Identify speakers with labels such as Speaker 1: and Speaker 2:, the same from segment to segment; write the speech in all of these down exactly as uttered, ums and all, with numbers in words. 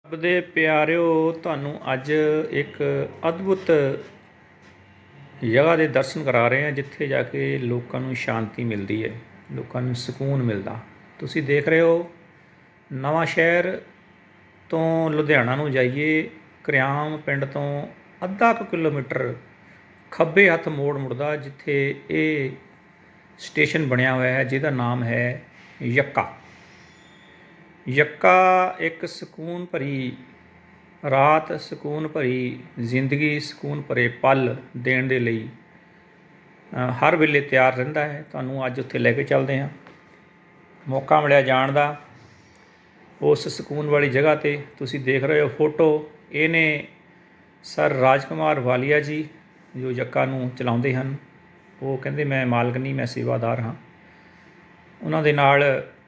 Speaker 1: ਰੱਬ ਦੇ ਪਿਆਰਿਓ, ਤੁਹਾਨੂੰ ਅੱਜ ਇੱਕ ਅਦਭੁਤ ਜਗ੍ਹਾ ਦੇ ਦਰਸ਼ਨ ਕਰਾ ਰਹੇ ਹਾਂ ਜਿੱਥੇ ਜਾ ਕੇ ਲੋਕਾਂ ਨੂੰ ਸ਼ਾਂਤੀ ਮਿਲਦੀ ਹੈ, ਲੋਕਾਂ ਨੂੰ ਸਕੂਨ ਮਿਲਦਾ। ਤੁਸੀਂ ਦੇਖ ਰਹੇ ਹੋ ਨਵਾਂ ਸ਼ਹਿਰ ਤੋਂ ਲੁਧਿਆਣਾ ਨੂੰ ਜਾਈਏ, ਘਰਿਆਮ ਪਿੰਡ ਤੋਂ ਅੱਧਾ ਕੁ ਕਿਲੋਮੀਟਰ ਖੱਬੇ ਹੱਥ ਮੋੜ ਮੁੜਦਾ ਜਿੱਥੇ ਇਹ ਸਟੇਸ਼ਨ ਬਣਿਆ ਹੋਇਆ ਹੈ ਜਿਹਦਾ ਨਾਮ ਹੈ ਯੱਕਾ। ਯੱਕਾ ਇੱਕ ਸਕੂਨ ਭਰੀ ਰਾਤ, ਸਕੂਨ ਭਰੀ ਜ਼ਿੰਦਗੀ, ਸਕੂਨ ਭਰੇ ਪਲ ਦੇਣ ਦੇ ਲਈ ਹਰ ਵੇਲੇ ਤਿਆਰ ਰਹਿੰਦਾ ਹੈ। ਤੁਹਾਨੂੰ ਅੱਜ ਉੱਥੇ ਲੈ ਕੇ ਚੱਲਦੇ ਹਾਂ। ਮੌਕਾ ਮਿਲਿਆ ਜਾਣ ਦਾ ਉਸ ਸਕੂਨ ਵਾਲੀ ਜਗ੍ਹਾ 'ਤੇ। ਤੁਸੀਂ ਦੇਖ ਰਹੇ ਹੋ ਫੋਟੋ, ਇਹ ਨੇ ਸਰ ਰਾਜਕੁਮਾਰ ਵਾਲੀਆ ਜੀ ਜੋ ਯੱਕਾ ਨੂੰ ਚਲਾਉਂਦੇ ਹਨ। ਉਹ ਕਹਿੰਦੇ ਮੈਂ ਮਾਲਕ ਨਹੀਂ, ਮੈਂ ਸੇਵਾਦਾਰ ਹਾਂ। ਉਹਨਾਂ ਦੇ ਨਾਲ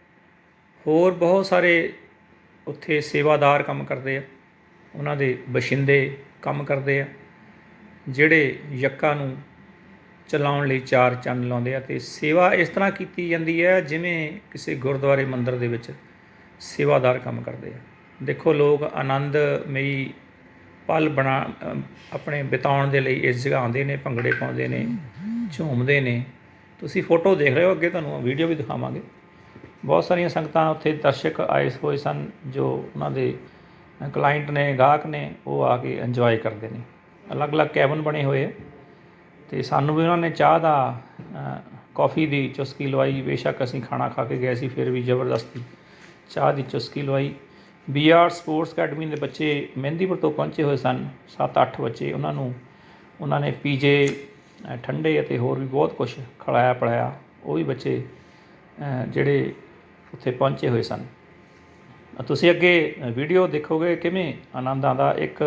Speaker 1: ਹੋਰ ਬਹੁਤ ਸਾਰੇ ਉੱਥੇ ਸੇਵਾਦਾਰ ਕੰਮ ਕਰਦੇ ਆ, ਉਹਨਾਂ ਦੇ ਬਸ਼ਿੰਦੇ ਕੰਮ ਕਰਦੇ ਆ ਜਿਹੜੇ ਯੱਕਾ ਨੂੰ ਚਲਾਉਣ ਲਈ ਚਾਰ ਚੰਨ ਲਾਉਂਦੇ ਆ। ਅਤੇ ਸੇਵਾ ਇਸ ਤਰ੍ਹਾਂ ਕੀਤੀ ਜਾਂਦੀ ਹੈ ਜਿਵੇਂ ਕਿਸੇ ਗੁਰਦੁਆਰੇ ਮੰਦਿਰ ਦੇ ਵਿੱਚ ਸੇਵਾਦਾਰ ਕੰਮ ਕਰਦੇ ਆ। ਦੇਖੋ ਲੋਕ ਆਨੰਦਮਈ ਪਲ ਬਣਾ ਆਪਣੇ ਬਿਤਾਉਣ ਦੇ ਲਈ ਇਸ ਜਗ੍ਹਾ ਆਉਂਦੇ ਨੇ, ਭੰਗੜੇ ਪਾਉਂਦੇ ਨੇ, ਝੂਮਦੇ ਨੇ। ਤੁਸੀਂ ਫੋਟੋ ਦੇਖ ਰਹੇ ਹੋ, ਅੱਗੇ ਤੁਹਾਨੂੰ ਵੀਡੀਓ ਵੀ ਦਿਖਾਵਾਂਗੇ। ਬਹੁਤ ਸਾਰੀਆਂ ਸੰਗਤਾਂ ਉੱਥੇ ਦਰਸ਼ਕ ਆਏ ਹੋਏ ਸਨ ਜੋ ਉਹਨਾਂ ਦੇ ਕਲਾਇੰਟ ਨੇ, ਗਾਹਕ ਨੇ, ਉਹ ਆ ਕੇ ਇੰਜੋਏ ਕਰਦੇ ਨੇ। ਅਲੱਗ-ਅਲੱਗ ਕੈਬਨ ਬਣੇ ਹੋਏ ਹੈ ਅਤੇ ਸਾਨੂੰ ਵੀ ਉਹਨਾਂ ਨੇ ਚਾਹ ਦਾ, ਕੌਫੀ ਦੀ ਚੁਸਕੀ ਲਵਾਈ। ਬੇਸ਼ੱਕ ਅਸੀਂ ਖਾਣਾ ਖਾ ਕੇ ਗਏ ਸੀ, ਫਿਰ ਵੀ ਜ਼ਬਰਦਸਤੀ ਚਾਹ ਦੀ ਚੁਸਕੀ ਲਵਾਈ। ਬੀ ਆਰ ਸਪੋਰਟਸ ਅਕੈਡਮੀ ਦੇ ਬੱਚੇ ਮਹਿੰਦੀਪੁਰ ਤੋਂ ਪਹੁੰਚੇ ਹੋਏ ਸਨ, ਸੱਤ ਅੱਠ ਬੱਚੇ। ਉਹਨਾਂ ਨੂੰ ਉਹਨਾਂ ਨੇ ਪੀਜੇ, ਠੰਡੇ ਅਤੇ ਹੋਰ ਵੀ ਬਹੁਤ ਕੁਛ ਖਿਲਾਇਆ ਪਿਲਾਇਆ। ਉਹ ਵੀ ਬੱਚੇ ਜਿਹੜੇ ਉੱਥੇ ਪਹੁੰਚੇ ਹੋਏ ਸਨ। ਤੁਸੀਂ ਅੱਗੇ ਵੀਡੀਓ ਦੇਖੋਗੇ ਕਿਵੇਂ ਆਨੰਦ ਆਉਂਦਾ। ਇੱਕ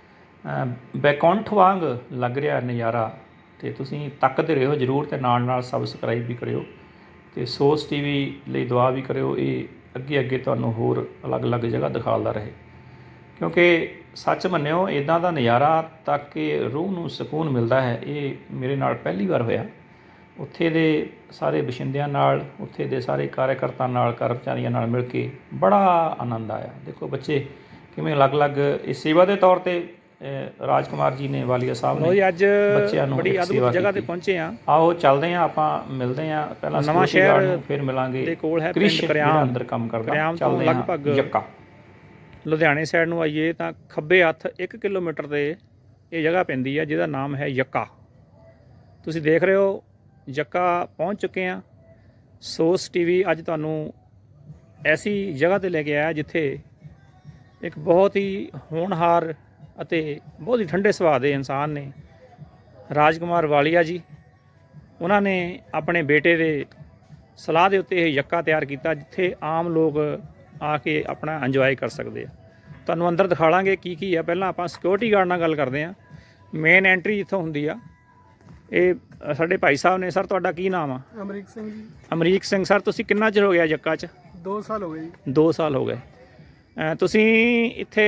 Speaker 1: ਬੈਕੁੰਠ ਵਾਂਗ ਲੱਗ ਰਿਹਾ ਨਜ਼ਾਰਾ, ਅਤੇ ਤੁਸੀਂ ਤੱਕਦੇ ਰਹੋ ਜ਼ਰੂਰ, ਅਤੇ ਨਾਲ ਨਾਲ ਸਬਸਕ੍ਰਾਈਬ ਵੀ ਕਰਿਓ ਅਤੇ ਸੋਸ ਟੀ ਵੀ ਲਈ ਦੁਆ ਵੀ ਕਰਿਓ। ਇਹ ਅੱਗੇ ਅੱਗੇ ਤੁਹਾਨੂੰ ਹੋਰ ਅਲੱਗ-ਅਲੱਗ ਜਗ੍ਹਾ ਦਿਖਾਉਂਦਾ ਰਹੇ, ਕਿਉਂਕਿ ਸੱਚ ਮੰਨਿਓ ਇੱਦਾਂ ਦਾ ਨਜ਼ਾਰਾ ਤੱਕ ਕੇ ਰੂਹ ਨੂੰ ਸਕੂਨ ਮਿਲਦਾ ਹੈ। ਇਹ ਮੇਰੇ ਨਾਲ ਪਹਿਲੀ ਵਾਰ ਹੋਇਆ। ਉੱਥੇ ਦੇ ਸਾਰੇ ਬਸ਼ਿੰਦਿਆਂ ਨਾਲ, ਉੱਥੇ ਦੇ ਸਾਰੇ ਕਾਰਿਆਕਰਤਾ ਨਾਲ, ਕਰਮਚਾਰੀਆਂ ਨਾਲ ਮਿਲ ਕੇ ਬੜਾ ਆਨੰਦ ਆਇਆ। ਦੇਖੋ ਬੱਚੇ ਕਿਵੇਂ ਅਲੱਗ-ਅਲੱਗ ਇਸ ਸੇਵਾ ਦੇ ਤੌਰ 'ਤੇ ਰਾਜਕੁਮਾਰ ਜੀ ਨੇ, ਵਾਲੀਆ ਸਾਹਿਬ ਨੇ ਅੱਜ ਬੱਚਿਆਂ ਨੂੰ ਬੜੀ ਅਦਭੁਤ ਜਗ੍ਹਾ 'ਤੇ ਪਹੁੰਚੇ ਹਾਂ। ਆਓ ਚੱਲਦੇ ਹਾਂ, ਆਪਾਂ ਮਿਲਦੇ ਹਾਂ ਪਹਿਲਾਂ ਨਵਾਂ ਸ਼ਹਿਰ, ਫਿਰ ਮਿਲਾਂਗੇ ਦੇ ਕੋਲ ਹੈ ਪਿੰਡ ਘਰਿਆਮ, ਅੰਦਰ ਕੰਮ ਕਰਦਾ। ਘਰਿਆਮ ਤੋਂ ਲਗਭਗ ਯੱਕਾ ਲੁਧਿਆਣੇ ਸਾਈਡ ਨੂੰ ਆਈਏ ਤਾਂ ਖੱਬੇ ਹੱਥ ਇੱਕ ਕਿਲੋਮੀਟਰ 'ਤੇ ਇਹ ਜਗ੍ਹਾ ਪੈਂਦੀ ਹੈ ਜਿਹਦਾ ਨਾਮ ਹੈ ਯੱਕਾ। ਤੁਸੀਂ ਦੇਖ ਰਹੇ ਹੋ ਯੱਕਾ ਪਹੁੰਚ ਚੁੱਕੇ ਹਾਂ। ਸੋਸ ਟੀ ਵੀ ਅੱਜ ਤੁਹਾਨੂੰ ਐਸੀ ਜਗ੍ਹਾ 'ਤੇ ਲੈ ਕੇ ਆਇਆ ਜਿੱਥੇ ਇੱਕ ਬਹੁਤ ਹੀ ਹੋਣਹਾਰ ਅਤੇ ਬਹੁਤ ਹੀ ਠੰਡੇ ਸੁਭਾਅ ਦੇ ਇਨਸਾਨ ਨੇ, ਰਾਜਕੁਮਾਰ ਵਾਲੀਆ ਜੀ। ਉਹਨਾਂ ਨੇ ਆਪਣੇ ਬੇਟੇ ਦੇ ਸਲਾਹ ਦੇ ਉੱਤੇ ਇਹ ਯੱਕਾ ਤਿਆਰ ਕੀਤਾ ਜਿੱਥੇ ਆਮ ਲੋਕ ਆ ਕੇ ਆਪਣਾ ਇੰਜੋਏ ਕਰ ਸਕਦੇ ਆ। ਤੁਹਾਨੂੰ ਅੰਦਰ ਦਿਖਾਵਾਂਗੇ ਕੀ ਕੀ ਆ। ਪਹਿਲਾਂ ਆਪਾਂ ਸਿਕਿਉਰਿਟੀ ਗਾਰਡ ਨਾਲ ਗੱਲ ਕਰਦੇ ਹਾਂ। ਮੇਨ ਐਂਟਰੀ ਜਿੱਥੋਂ ਹੁੰਦੀ ਆ, ਇਹ ਸਾਡੇ ਭਾਈ ਸਾਹਿਬ ਨੇ। ਸਰ ਤੁਹਾਡਾ ਕੀ ਨਾਮ ਆ?
Speaker 2: ਅਮਰੀਕ ਸਿੰਘ ਜੀ।
Speaker 1: ਅਮਰੀਕ ਸਿੰਘ ਸਰ, ਤੁਸੀਂ ਕਿੰਨਾ ਚਿਰ ਹੋ ਗਿਆ ਯੱਕਾ 'ਚ?
Speaker 2: ਦੋ ਸਾਲ ਹੋ ਗਏ ਜੀ।
Speaker 1: ਦੋ ਸਾਲ ਹੋ ਗਏ। ਤੁਸੀਂ ਇੱਥੇ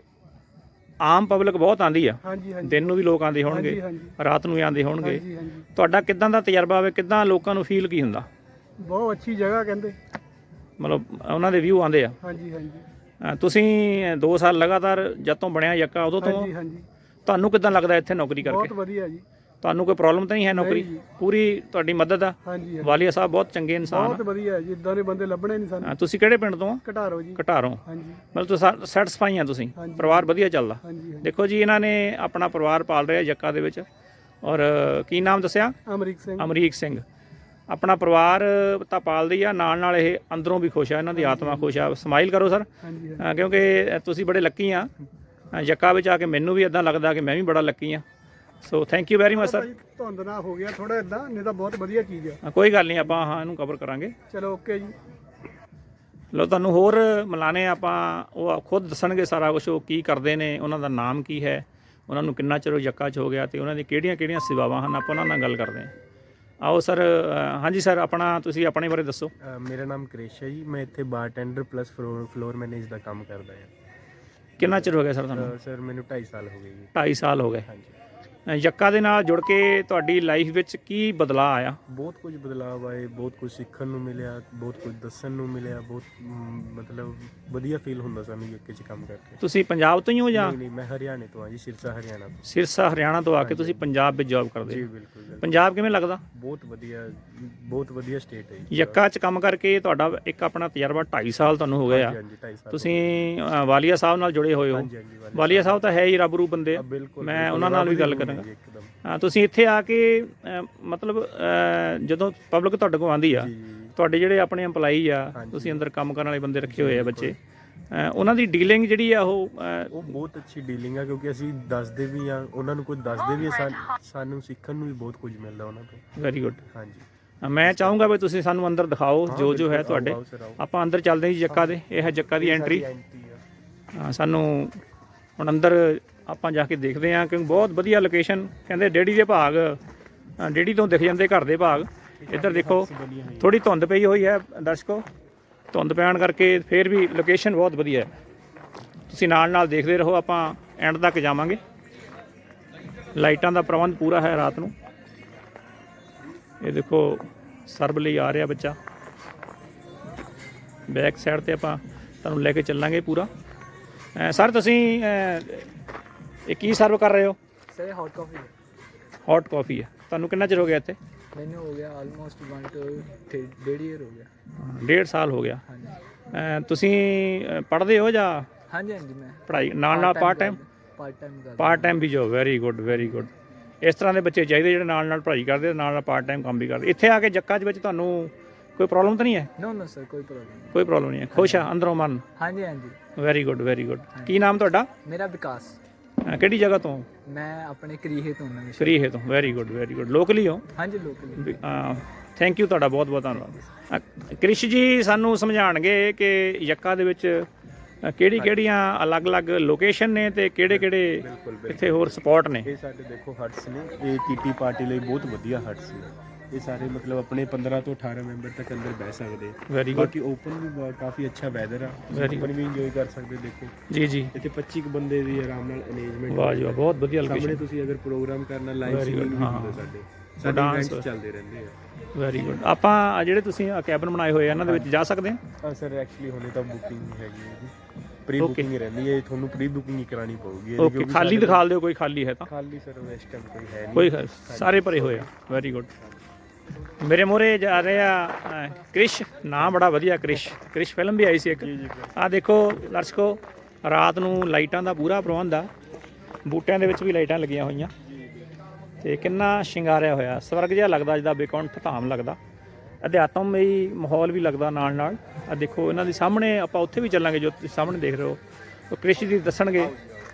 Speaker 1: ਆਮ ਪਬਲਿਕ ਬਹੁਤ ਆਉਂਦੀ ਆ?
Speaker 2: ਹਾਂਜੀ ਹਾਂਜੀ।
Speaker 1: ਦਿਨ ਨੂੰ ਵੀ ਲੋਕ ਆਉਂਦੇ ਹੋਣਗੇ, ਰਾਤ ਨੂੰ ਵੀ ਆਉਂਦੇ ਹੋਣਗੇ।
Speaker 2: ਹਾਂਜੀ ਹਾਂਜੀ।
Speaker 1: ਤੁਹਾਡਾ ਕਿੱਦਾਂ ਦਾ ਤਜਰਬਾ ਹੋਵੇ, ਕਿੱਦਾਂ ਲੋਕਾਂ ਨੂੰ ਫੀਲ ਕੀ ਹੁੰਦਾ?
Speaker 2: ਬਹੁਤ ਅੱਛੀ ਜਗ੍ਹਾ ਕਹਿੰਦੇ,
Speaker 1: ਮਤਲਬ ਉਹਨਾਂ ਦੇ ਵਿਊ ਆਉਂਦੇ ਆ?
Speaker 2: ਹਾਂਜੀ ਹਾਂਜੀ।
Speaker 1: ਤੁਸੀਂ ਦੋ ਸਾਲ ਲਗਾਤਾਰ ਜਦ ਤੋਂ ਬਣਿਆ ਯੱਕਾ ਉਦੋਂ ਤੋਂ?
Speaker 2: ਹਾਂਜੀ ਹਾਂਜੀ।
Speaker 1: ਤੁਹਾਨੂੰ ਕਿੱਦਾਂ ਲੱਗਦਾ ਇੱਥੇ ਨੌਕਰੀ ਕਰਕੇ?
Speaker 2: ਬਹੁਤ ਵਧੀਆ ਜੀ।
Speaker 1: ਤੁਹਾਨੂੰ ਕੋਈ ਪ੍ਰੋਬਲਮ ਤਾਂ ਨਹੀਂ ਹੈ? ਨੌਕਰੀ ਪੂਰੀ ਤੁਹਾਡੀ ਮਦਦ ਆ?
Speaker 2: ਹਾਂਜੀ।
Speaker 1: ਵਾਲੀਆ ਸਾਹਿਬ ਬਹੁਤ ਚੰਗੇ ਇਨਸਾਨ,
Speaker 2: ਬਹੁਤ ਵਧੀਆ ਜੀ। ਇੱਦਾਂ ਦੇ ਬੰਦੇ ਲੱਭਣੇ ਨਹੀਂ ਸਾਨੂੰ।
Speaker 1: ਤੁਸੀਂ ਕਿਹੜੇ ਪਿੰਡ ਤੋਂ?
Speaker 2: ਘਟਾਰੋ ਜੀ।
Speaker 1: ਘਟਾਰੋਂ।
Speaker 2: ਹਾਂਜੀ।
Speaker 1: ਮਤਲਬ ਤੁਸੀਂ ਸੈਟਿਸਫਾਈ ਆ? ਤੁਸੀਂ ਪਰਿਵਾਰ ਵਧੀਆ ਚੱਲਦਾ?
Speaker 2: ਹਾਂਜੀ।
Speaker 1: ਦੇਖੋ ਜੀ, ਇਹਨਾਂ ਨੇ ਆਪਣਾ ਪਰਿਵਾਰ ਪਾਲ ਰਿਹਾ ਯੱਕਾ ਦੇ ਵਿੱਚ। ਔਰ ਕੀ ਨਾਮ ਦੱਸਿਆ?
Speaker 2: ਅਮਰੀਕ ਸਿੰਘ।
Speaker 1: ਅਮਰੀਕ ਸਿੰਘ ਆਪਣਾ ਪਰਿਵਾਰ ਤਾਂ ਪਾਲਦੀ ਆ, ਨਾਲ ਨਾਲ ਇਹ ਅੰਦਰੋਂ ਵੀ ਖੁਸ਼ ਆ, ਇਹਨਾਂ ਦੀ ਆਤਮਾ ਖੁਸ਼ ਆ। ਸਮਾਈਲ ਕਰੋ ਸਰ, ਕਿਉਂਕਿ ਤੁਸੀਂ ਬੜੇ ਲੱਕੀ ਆ ਯੱਕਾ ਵਿੱਚ ਆ ਕੇ। ਮੈਨੂੰ ਵੀ ਇੱਦਾਂ ਲੱਗਦਾ ਕਿ ਮੈਂ ਵੀ ਬੜਾ ਲੱਕੀ ਆ। So thank you very much sir.
Speaker 2: ਧੁੰਦ ਨਾ ਹੋ ਗਿਆ ਥੋੜਾ ਇੱਦਾਂ, ਨਹੀਂ ਤਾਂ ਬਹੁਤ ਵਧੀਆ ਚੀਜ਼ ਆ।
Speaker 1: ਕੋਈ ਗੱਲ ਨਹੀਂ, ਆਪਾਂ ਹਾਂ ਇਹਨੂੰ ਕਵਰ ਕਰਾਂਗੇ।
Speaker 2: ਚਲੋ ਓਕੇ ਜੀ।
Speaker 1: ਲੋ ਤੁਹਾਨੂੰ ਹੋਰ ਮਿਲਾਨੇ ਆਪਾਂ, ਉਹ ਖੁਦ ਦੱਸਣਗੇ ਸਾਰਾ ਕੁਛ, ਉਹ ਕੀ ਕਰਦੇ ਨੇ, ਉਹਨਾਂ ਦਾ ਨਾਮ ਕੀ ਹੈ, ਉਹਨਾਂ ਨੂੰ ਕਿੰਨਾ ਚਿਰ ਯੱਕਾ 'ਚ ਹੋ ਗਿਆ, ਅਤੇ ਉਹਨਾਂ ਦੀ ਕਿਹੜੀਆਂ ਕਿਹੜੀਆਂ ਸੇਵਾਵਾਂ ਹਨ, ਆਪਾਂ ਉਹਨਾਂ ਨਾਲ ਗੱਲ ਕਰਦੇ ਹਾਂ। ਆਓ ਸਰ। ਹਾਂਜੀ ਸਰ, ਆਪਣਾ ਤੁਸੀਂ ਆਪਣੇ ਬਾਰੇ ਦੱਸੋ।
Speaker 3: ਮੇਰਾ ਨਾਮ ਕ੍ਰਿਸ਼ ਹੈ ਜੀ। ਮੈਂ ਇੱਥੇ bartender plus floor floor manage ਦਾ ਕੰਮ ਕਰਦਾ ਹਾਂ।
Speaker 1: ਕਿੰਨਾ ਚਿਰ ਹੋ ਗਿਆ ਸਰ ਤੁਹਾਨੂੰ?
Speaker 3: ਸਰ ਮੈਨੂੰ ਢਾਈ ਸਾਲ ਹੋ ਗਏ ਜੀ।
Speaker 1: ਢਾਈ ਸਾਲ ਹੋ ਗਏ।
Speaker 3: ਹਾਂਜੀ।
Speaker 1: ਅ, ਯੱਕਾ ਦੇ ਨਾਲ ਜੁੜ ਕੇ ਤੁਹਾਡੀ ਲਾਈਫ ਵਿੱਚ ਕੀ ਬਦਲਾਅ ਆਇਆ?
Speaker 3: ਬਹੁਤ ਕੁਝ ਬਦਲਾਅ ਆਏ, ਬਹੁਤ ਕੁਝ ਸਿੱਖਣ ਨੂੰ ਮਿਲਿਆ, ਬਹੁਤ ਕੁਝ ਦੱਸਣ ਨੂੰ ਮਿਲਿਆ, ਬਹੁਤ ਮ, ਮਤਲਬ ਵਧੀਆ ਫੀਲ ਹੁੰਦਾ ਸਾਨੂੰ ਯੱਕੇ 'ਚ ਕੰਮ ਕਰਕੇ।
Speaker 1: ਤੁਸੀਂ ਪੰਜਾਬ ਤੋਂ ਹੀ ਹੋ ਜਾਂ?
Speaker 3: ਨਹੀਂ ਨਹੀਂ, ਮੈਂ ਹਰਿਆਣੇ ਤੋਂ ਹਾਂ ਜੀ, ਸਿਰਸਾ ਹਰਿਆਣਾ ਤੋਂ।
Speaker 1: ਸਿਰਸਾ ਹਰਿਆਣਾ ਤੋਂ ਆ ਕੇ ਤੁਸੀਂ ਪੰਜਾਬ ਵਿੱਚ ਜੌਬ ਕਰਦੇ
Speaker 3: ਜੀ
Speaker 1: ਹੋ।
Speaker 3: ਬਿਲਕੁਲ ਬਿਲਕੁਲ।
Speaker 1: ਪੰਜਾਬ ਕਿਵੇਂ ਲੱਗਦਾ?
Speaker 3: ਬਹੁਤ ਵਧੀਆ, ਬਹੁਤ ਵਧੀਆ ਸਟੇਟ ਹੈ ਜੀ।
Speaker 1: ਯੱਕਾ 'ਚ ਕੰਮ ਕਰਕੇ ਤੁਹਾਡਾ ਇੱਕ ਆਪਣਾ ਤਜਰਬਾ ਢਾਈ ਸਾਲ ਤੁਹਾਨੂੰ ਹੋ ਗਿਆ।
Speaker 3: ਹਾਂਜੀ ਹਾਂਜੀ, ਢਾਈ ਸਾਲ।
Speaker 1: ਤੁਸੀਂ ਅ, ਵਾਲੀਆ ਸਾਹਿਬ ਨਾਲ ਜੁੜੇ ਹੋਏ ਹੋ।
Speaker 3: ਹਾਂਜੀ ਹਾਂਜੀ, ਵਾਲੀਆ
Speaker 1: ਵਾਲੀਆ ਸਾਹਿਬ ਤਾਂ ਹੈ ਹੀ ਰੱਬ ਰੂ ਬੰਦੇ ਆ।
Speaker 3: ਬਿਲਕੁਲ,
Speaker 1: ਮੈਂ
Speaker 3: ਬਿਲਕੁਲ,
Speaker 1: ਉਹਨਾਂ ਨਾਲ ਵੀ
Speaker 3: ਰੱਬ
Speaker 1: ਗੱਲ
Speaker 3: ਦੀ
Speaker 1: ਕਰਾਂਗਾ।
Speaker 3: ਜੀ ਇੱਕਦਮ।
Speaker 1: ਹਾਂ, ਤੁਸੀਂ ਇੱਥੇ ਆ ਕੇ ਅ, ਮਤਲਬ ਅ, ਜਦੋਂ ਪਬਲਿਕ ਤੁਹਾਡੇ ਕੋਲ ਆਉਂਦੀ ਆ,
Speaker 3: ਜੀ ਜੀ।
Speaker 1: ਤੁਹਾਡੇ ਜਿਹੜੇ ਆਪਣੇ EMPLOYEE ਆ,
Speaker 3: ਹਾਂਜੀ।
Speaker 1: ਤੁਸੀਂ ਅੰਦਰ ਕੰਮ ਕਰਨ ਵਾਲੇ ਬੰਦੇ ਰੱਖੇ ਹੋਏ ਆ ਬੱਚੇ, ਅ, ਉਹਨਾਂ ਦੀ ਡੀਲਿੰਗ ਜਿਹੜੀ ਆ ਉਹ ਅ,
Speaker 3: ਉਹ ਬਹੁਤ ਅੱਛੀ ਡੀਲਿੰਗ ਆ, ਕਿਉਂਕਿ ਅਸੀਂ ਦੱਸਦੇ ਵੀ ਆ ਉਹਨਾਂ ਨੂੰ, ਕੁਝ ਦੱਸਦੇ ਵੀ ਆ, ਸਾਨ- ਸਾਨੂੰ ਸਿੱਖਣ ਨੂੰ ਵੀ ਬਹੁਤ ਕੁਝ ਮਿਲਦਾ ਉਹਨਾਂ ਤੋਂ।
Speaker 1: Very good.
Speaker 3: ਹਾਂਜੀ,
Speaker 1: ਮੈਂ ਚਾਹੂੰਗਾ ਵੀ ਤੁਸੀਂ ਸਾਨੂੰ ਅੰਦਰ ਦਿਖਾਓ ਜੋ ਜੋ ਹੈ ਤੁਹਾਡੇ।
Speaker 3: ਆਓ ਸਰ, ਆਓ।
Speaker 1: ਆਪਾਂ ਅੰਦਰ ਚੱਲਦੇ ਹਾਂ ਜੀ ਜੱਕਾ ਦੇ। ਇਹ ਹੈ ਜੱਕਾ ਦੀ ਐਂਟਰੀ।
Speaker 3: ਐਂਟਰੀ ਆ।
Speaker 1: ਹਾਂ, ਸਾਨੂੰ ਹੁਣ ਅੰਦਰ ਆਪਾਂ ਜਾ ਕੇ ਦੇਖਦੇ ਹਾਂ, ਕਿਉਂਕਿ ਬਹੁਤ ਵਧੀਆ ਲੋਕੇਸ਼ਨ। ਕਹਿੰਦੇ ਡੇੜੀ ਦੇ ਭਾਗ, ਅ, ਡੇੜੀ ਤੋਂ ਦਿਖ ਜਾਂਦੇ ਘਰ ਦੇ ਭਾਗ। ਇੱਧਰ ਦੇਖੋ ਥੋੜੀ ਧੁੰਦ ਪਈ ਹੋਈ ਹੈ ਦਰਸ਼ਕੋ, ਧੁੰਦ ਪੈਣ ਕਰਕੇ ਫਿਰ ਵੀ ਲੋਕੇਸ਼ਨ ਬਹੁਤ ਵਧੀਆ ਹੈ। ਤੁਸੀਂ ਨਾਲ ਨਾਲ ਦੇਖਦੇ ਰਹੋ, ਆਪਾਂ ਐਂਡ ਤੱਕ ਜਾਵਾਂਗੇ। ਲਾਈਟਾਂ ਦਾ ਪ੍ਰਬੰਧ ਪੂਰਾ ਹੈ ਰਾਤ ਨੂੰ। ਇਹ ਦੇਖੋ ਸਰਬ ਲਈ ਆ ਰਿਹਾ ਬੱਚਾ। ਬੈਕ ਸਾਈਡ ਤੇ ਆਪਾਂ ਤੁਹਾਨੂੰ ਲੈ ਕੇ ਚੱਲਾਂਗੇ ਪੂਰਾ। ਅ, ਸਰ ਤੁਸੀਂ ਅ, ਇਹ ਕੀ ਸਰਵ ਕਰ ਰਹੇ ਹੋ?
Speaker 4: Sir hot coffee
Speaker 1: hot coffee ਹੈ। ਤੁਹਾਨੂੰ ਕਿੰਨਾ ਚਿਰ ਹੋ ਗਿਆ ਇੱਥੇ?
Speaker 4: ਮੈਨੂੰ ਹੋ ਗਿਆ ਆਲਮੋਸਟ ਵਨ ਟੂ ਡੇਢ ਈਅਰ ਹੋ ਗਿਆ।
Speaker 1: ਡੇਢ ਸਾਲ ਹੋ ਗਿਆ।
Speaker 4: ਹਾਂਜੀ
Speaker 1: ਅ, ਤੁਸੀਂ ਅ, ਪੜ੍ਹਦੇ ਹੋ ਜਾਂ
Speaker 4: ਹਾਂਜੀ ਹਾਂਜੀ, ਮੈਂ
Speaker 1: ਪੜ੍ਹਾਈ ਨਾਲ ਨਾਲ ਪਾਰਟ ਟਾਈਮ?
Speaker 4: ਪਾਰਟ ਟਾਈਮ ਕਰਦਾ।
Speaker 1: ਪਾਰਟ ਟਾਈਮ ਵੀ ਜੋ। Very good very good. ਇਸ ਤਰ੍ਹਾਂ ਦੇ ਬੱਚੇ ਚਾਹੀਦੇ ਜਿਹੜੇ ਨਾਲ ਨਾਲ ਪੜ੍ਹਾਈ ਕਰਦੇ, ਨਾਲ ਨਾਲ ਪਾਰਟ ਟਾਈਮ ਕੰਮ ਵੀ ਕਰਦੇ। ਇੱਥੇ ਆ ਕੇ ਜੱਕਾ ਦੇ ਵਿੱਚ ਤੁਹਾਨੂੰ ਕੋਈ ਪ੍ਰੋਬਲਮ ਤਾਂ ਨਹੀਂ ਹੈ?
Speaker 4: ਨੋ ਨੋ ਸਰ, ਕੋਈ ਪ੍ਰੋਬਲਮ ਨਹੀਂ।
Speaker 1: ਕੋਈ ਪ੍ਰੋਬਲਮ ਨਹੀਂ ਹੈ। ਖੁਸ਼ ਆ ਅੰਦਰੋਂ ਮਨ?
Speaker 4: ਹਾਂਜੀ ਹਾਂਜੀ।
Speaker 1: Very good very good. ਕੀ ਨਾਮ ਤੁਹਾਡਾ?
Speaker 4: ਮੇਰਾ ਵਿਕਾਸ।
Speaker 1: ਅ, ਕਿਹੜੀ ਜਗ੍ਹਾ ਤੋਂ?
Speaker 4: ਮੈਂ ਆਪਣੇ ਕਰੀਹੇ ਤੋਂ ਨਵੇਂ ਸ਼ਹਿਰ।
Speaker 1: ਕਰੀਹੇ ਤੋਂ। Very good very good. Locally ਹੋ?
Speaker 4: ਹਾਂਜੀ ਲੋਕਲ।
Speaker 1: ਥੈਂਕ ਯੂ ਤੁਹਾਡਾ ਬਹੁਤ ਬਹੁਤ ਧੰਨਵਾਦ। ਅ, ਕ੍ਰਿਸ਼ ਜੀ ਸਾਨੂੰ ਸਮਝਾਉਣਗੇ ਕਿ ਯੱਕਾ ਦੇ ਵਿੱਚ ਕਿਹੜੀ ਕਿਹੜੀਆਂ ਅਲੱਗ-ਅਲੱਗ ਲੋਕੇਸ਼ਨ ਨੇ ਤੇ ਕਿਹੜੇ ਕਿਹੜੇ ਇੱਥੇ ਹੋਰ ਸਪੌਟ ਨੇ।
Speaker 3: ਇਹ ਸਾਡੇ ਦੇਖੋ ਹਟਸ ਨੇ, ਇਹ ਕੀਟੀ ਪਾਰਟੀ ਲਈ ਬਹੁਤ ਵਧੀਆ ਹਟਸ ਨੇ। ਇਹ ਸਾਰੇ ਮਤਲਬ ਆਪਣੇ ਪੰਦਰਾਂ ਤੋਂ ਅਠਾਰਾਂ ਮੈਂਬਰ ਤੱਕ ਅੰਦਰ ਬਹਿ ਸਕਦੇ।
Speaker 1: Very good.
Speaker 3: ਬਾਕੀ ਓਪਨ ਵੀ ਬਹੁਤ- ਕਾਫੀ ਅੱਛਾ ਵੈਦਰ ਆ,
Speaker 1: Very
Speaker 3: ਓਪਨ ਵੀ ਇੰਜੋਏ ਕਰ ਸਕਦੇ। ਦੇਖੋ
Speaker 1: ਜੀ ਜੀ।
Speaker 3: ਇੱਥੇ ਪੱਚੀ ਕੁ ਬੰਦੇ ਦੀ ਆਰਾਮ ਨਾਲ ਅਰੇਂਜਮੈਂਟ।
Speaker 1: ਵਾਹ ਜੀ ਵਾਹ, ਬਹੁਤ ਵਧੀਆ
Speaker 3: ਸਾਹਮਣੇ
Speaker 1: ਲੋਕੇਸ਼ਨ।
Speaker 3: ਤੁਸੀਂ ਅਗਰ ਪ੍ਰੋਗਰਾਮ ਕਰਨਾ, ਲਾਈਵ
Speaker 1: Very good,
Speaker 3: ਸਿੰਗਿੰਗ ਵੀ
Speaker 1: ਹਾਂ।
Speaker 3: ਹੁੰਦਾ ਸਾਡੇ ਸਾਡੇ
Speaker 1: dance
Speaker 3: ਇਵੈਂਟਸ ਚੱਲਦੇ ਰਹਿੰਦੇ ਆ।
Speaker 1: Very good. ਆਪਾਂ ਆਹ ਜਿਹੜੇ ਤੁਸੀਂ ਕੈਬਨ ਬਣਾਏ ਹੋਏ ਆ ਇਹਨਾਂ ਦੇ ਵਿੱਚ ਜਾ ਸਕਦੇ ਹਾਂ?
Speaker 3: ਹਾਂ ਸਰ, ਐਕਚੁਅਲੀ ਹੁਣੇ ਤਾਂ ਬੁਕਿੰਗ ਹੈਗੀ ਹੈ ਜੀ, ਪ੍ਰੀ
Speaker 1: Okay.
Speaker 3: ਬੁਕਿੰਗ ਰਹਿੰਦੀ ਹੈ। ਤੁਹਾਨੂੰ ਪ੍ਰੀ ਬੁਕਿੰਗ ਹੀ ਕਰਾਣੀ ਪਊਗੀ ਇਹਦੀ,
Speaker 1: ਓਕੇ,
Speaker 3: ਕਿਉਂਕਿ
Speaker 1: ਖਾਲੀ
Speaker 3: ਸਾਡੇ-
Speaker 1: ਦਿਖਾ ਦਿਓ ਕੋਈ ਖਾਲੀ ਹੈ ਤਾਂ।
Speaker 3: ਖਾਲੀ ਸਰ ਇਸ ਟਾਈਮ ਕੋਈ ਹੈ ਨਹੀਂ।
Speaker 1: ਕੋਈ ਖ- ਸਾਰੇ ਭਰੇ ਹੋਏ ਆ। Very good. ਮੇਰੇ ਮੂਹਰੇ ਜਾ ਰਹੇ ਆ ਅ, ਕ੍ਰਿਸ਼। ਨਾਮ ਬੜਾ ਵਧੀਆ, ਕ੍ਰਿਸ਼। ਕ੍ਰਿਸ਼ ਫਿਲਮ ਵੀ ਆਈ ਸੀ ਇੱਕ। ਆਹ ਦੇਖੋ ਦਰਸ਼ਕੋ, ਰਾਤ ਨੂੰ ਲਾਈਟਾਂ ਦਾ ਪੂਰਾ ਪ੍ਰਬੰਧ ਆ। ਬੂਟਿਆਂ ਦੇ ਵਿੱਚ ਵੀ ਲਾਈਟਾਂ ਲੱਗੀਆਂ ਹੋਈਆਂ ਤੇ ਕਿੰਨਾ ਸ਼ਿੰਗਾਰਿਆ ਹੋਇਆ। ਸਵਰਗ ਜਿਹਾ ਲੱਗਦਾ, ਜਿੱਦਾਂ ਬੇਕੁੰਠ ਧਾਮ ਲੱਗਦਾ। ਅਧਿਆਤਮਈ ਮਾਹੌਲ ਵੀ ਲੱਗਦਾ ਨਾਲ ਨਾਲ। ਆ ਦੇਖੋ ਇਹਨਾਂ ਦੇ ਸਾਹਮਣੇ, ਆਪਾਂ ਉੱਥੇ ਵੀ ਚੱਲਾਂਗੇ ਜੋ ਤੁਸੀਂ ਸਾਹਮਣੇ ਦੇਖ ਰਹੇ ਹੋ। ਉਹ ਕ੍ਰਿਸ਼ ਜੀ ਦੱਸਣਗੇ।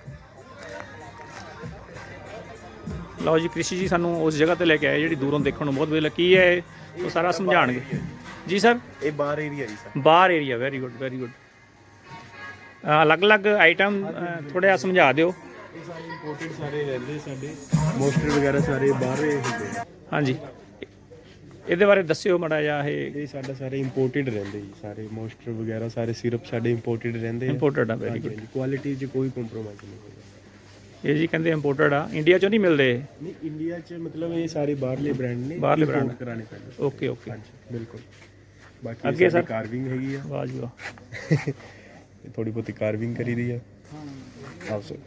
Speaker 1: ਲਓ ਜੀ, ਕ੍ਰਿਸ਼ੀ ਜੀ ਸਾਨੂੰ ਉਸ ਜਗ੍ਹਾ ਤੇ ਲੈ ਕੇ ਆਏ ਜਿਹੜੀ ਦੂਰੋਂ ਦੇਖਣ ਨੂੰ ਬਹੁਤ ਵਧੀਆ ਲੱਗੀ। ਕੀ ਹੈ ਉਹ ਸਾਰਾ ਸਮਝਾਣਗੇ ਜੀ ਸਰ।
Speaker 3: ਇਹ ਬਾਰ ਏਰੀਆ ਜੀ sir.
Speaker 1: Bar area. Very good very good. ਅਲੱਗ-ਅਲੱਗ ਆਈਟਮ ਥੋੜ੍ਹਾ ਸਮਝਾ ਦਿਓ।
Speaker 3: ਇਹ ਸਾਰੇ ਇੰਪੋਰਟਡ ਸਾਰੇ ਰਹਿੰਦੇ ਸਾਡੇ, ਮੋਸਟਰ ਵਗੈਰਾ ਸਾਰੇ ਬਾਹਰ ਹੀ ਹੁੰਦੇ ਆ।
Speaker 1: ਹਾਂਜੀ, ਇਹਦੇ ਬਾਰੇ ਦੱਸਿਓ ਮਾੜਾ ਜਿਹਾ। ਇਹ
Speaker 3: ਇਹ ਸਾਡਾ ਸਾਰੇ ਇੰਪੋਰਟਡ ਰਹਿੰਦੇ ਜੀ, ਸਾਰੇ ਮੋਸਟਰ ਵਗੈਰਾ ਸਾਰੇ ਸਿਰਪ ਸਾਡੇ ਇੰਪੋਰਟਡ ਰਹਿੰਦੇ ਆ।
Speaker 1: ਇੰਪੋਰਟਡ ਆ। Very good.
Speaker 3: ਕੁਆਲਿਟੀ 'ਚ ਕੋਈ ਕੰਪਰੋਮਾਈਜ਼ ਨਹੀਂ ਹੋਏਗਾ।
Speaker 1: ਇਹ ਜੀ ਕਹਿੰਦੇ ਇੰਪੋਰਟਡ ਆ, ਇੰਡੀਆ ਚੋਂ ਨਹੀਂ ਮਿਲਦੇ।
Speaker 3: ਨਹੀਂ, ਇੰਡੀਆ 'ਚ ਮਤਲਬ ਇਹ ਸਾਰੇ ਬਾਹਰਲੇ ਬ੍ਰਾਂਡ ਨੇ,
Speaker 1: ਬਾਹਰਲੇ
Speaker 3: import
Speaker 1: brand।
Speaker 3: ਕਰਾਣੇ ਪੈਂਦੇ।
Speaker 1: Okay okay.
Speaker 3: ਹਾਂਜੀ ਬਿਲਕੁਲ। ਬਾਕੀ
Speaker 1: ਅੱਗੇ
Speaker 3: ਅੱਗੇ
Speaker 1: ਸਰ?
Speaker 3: ਕਾਰਵਿੰਗ ਹੈਗੀ ਆ,
Speaker 1: ਵਾਹ ਜੀ ਵਾਹ।
Speaker 3: ਇਹ ਥੋੜੀ ਬਹੁਤੀ ਕਾਰਵਿੰਗ ਕਰੀ ਦੀ ਆ। ਆਓ ਸਰ।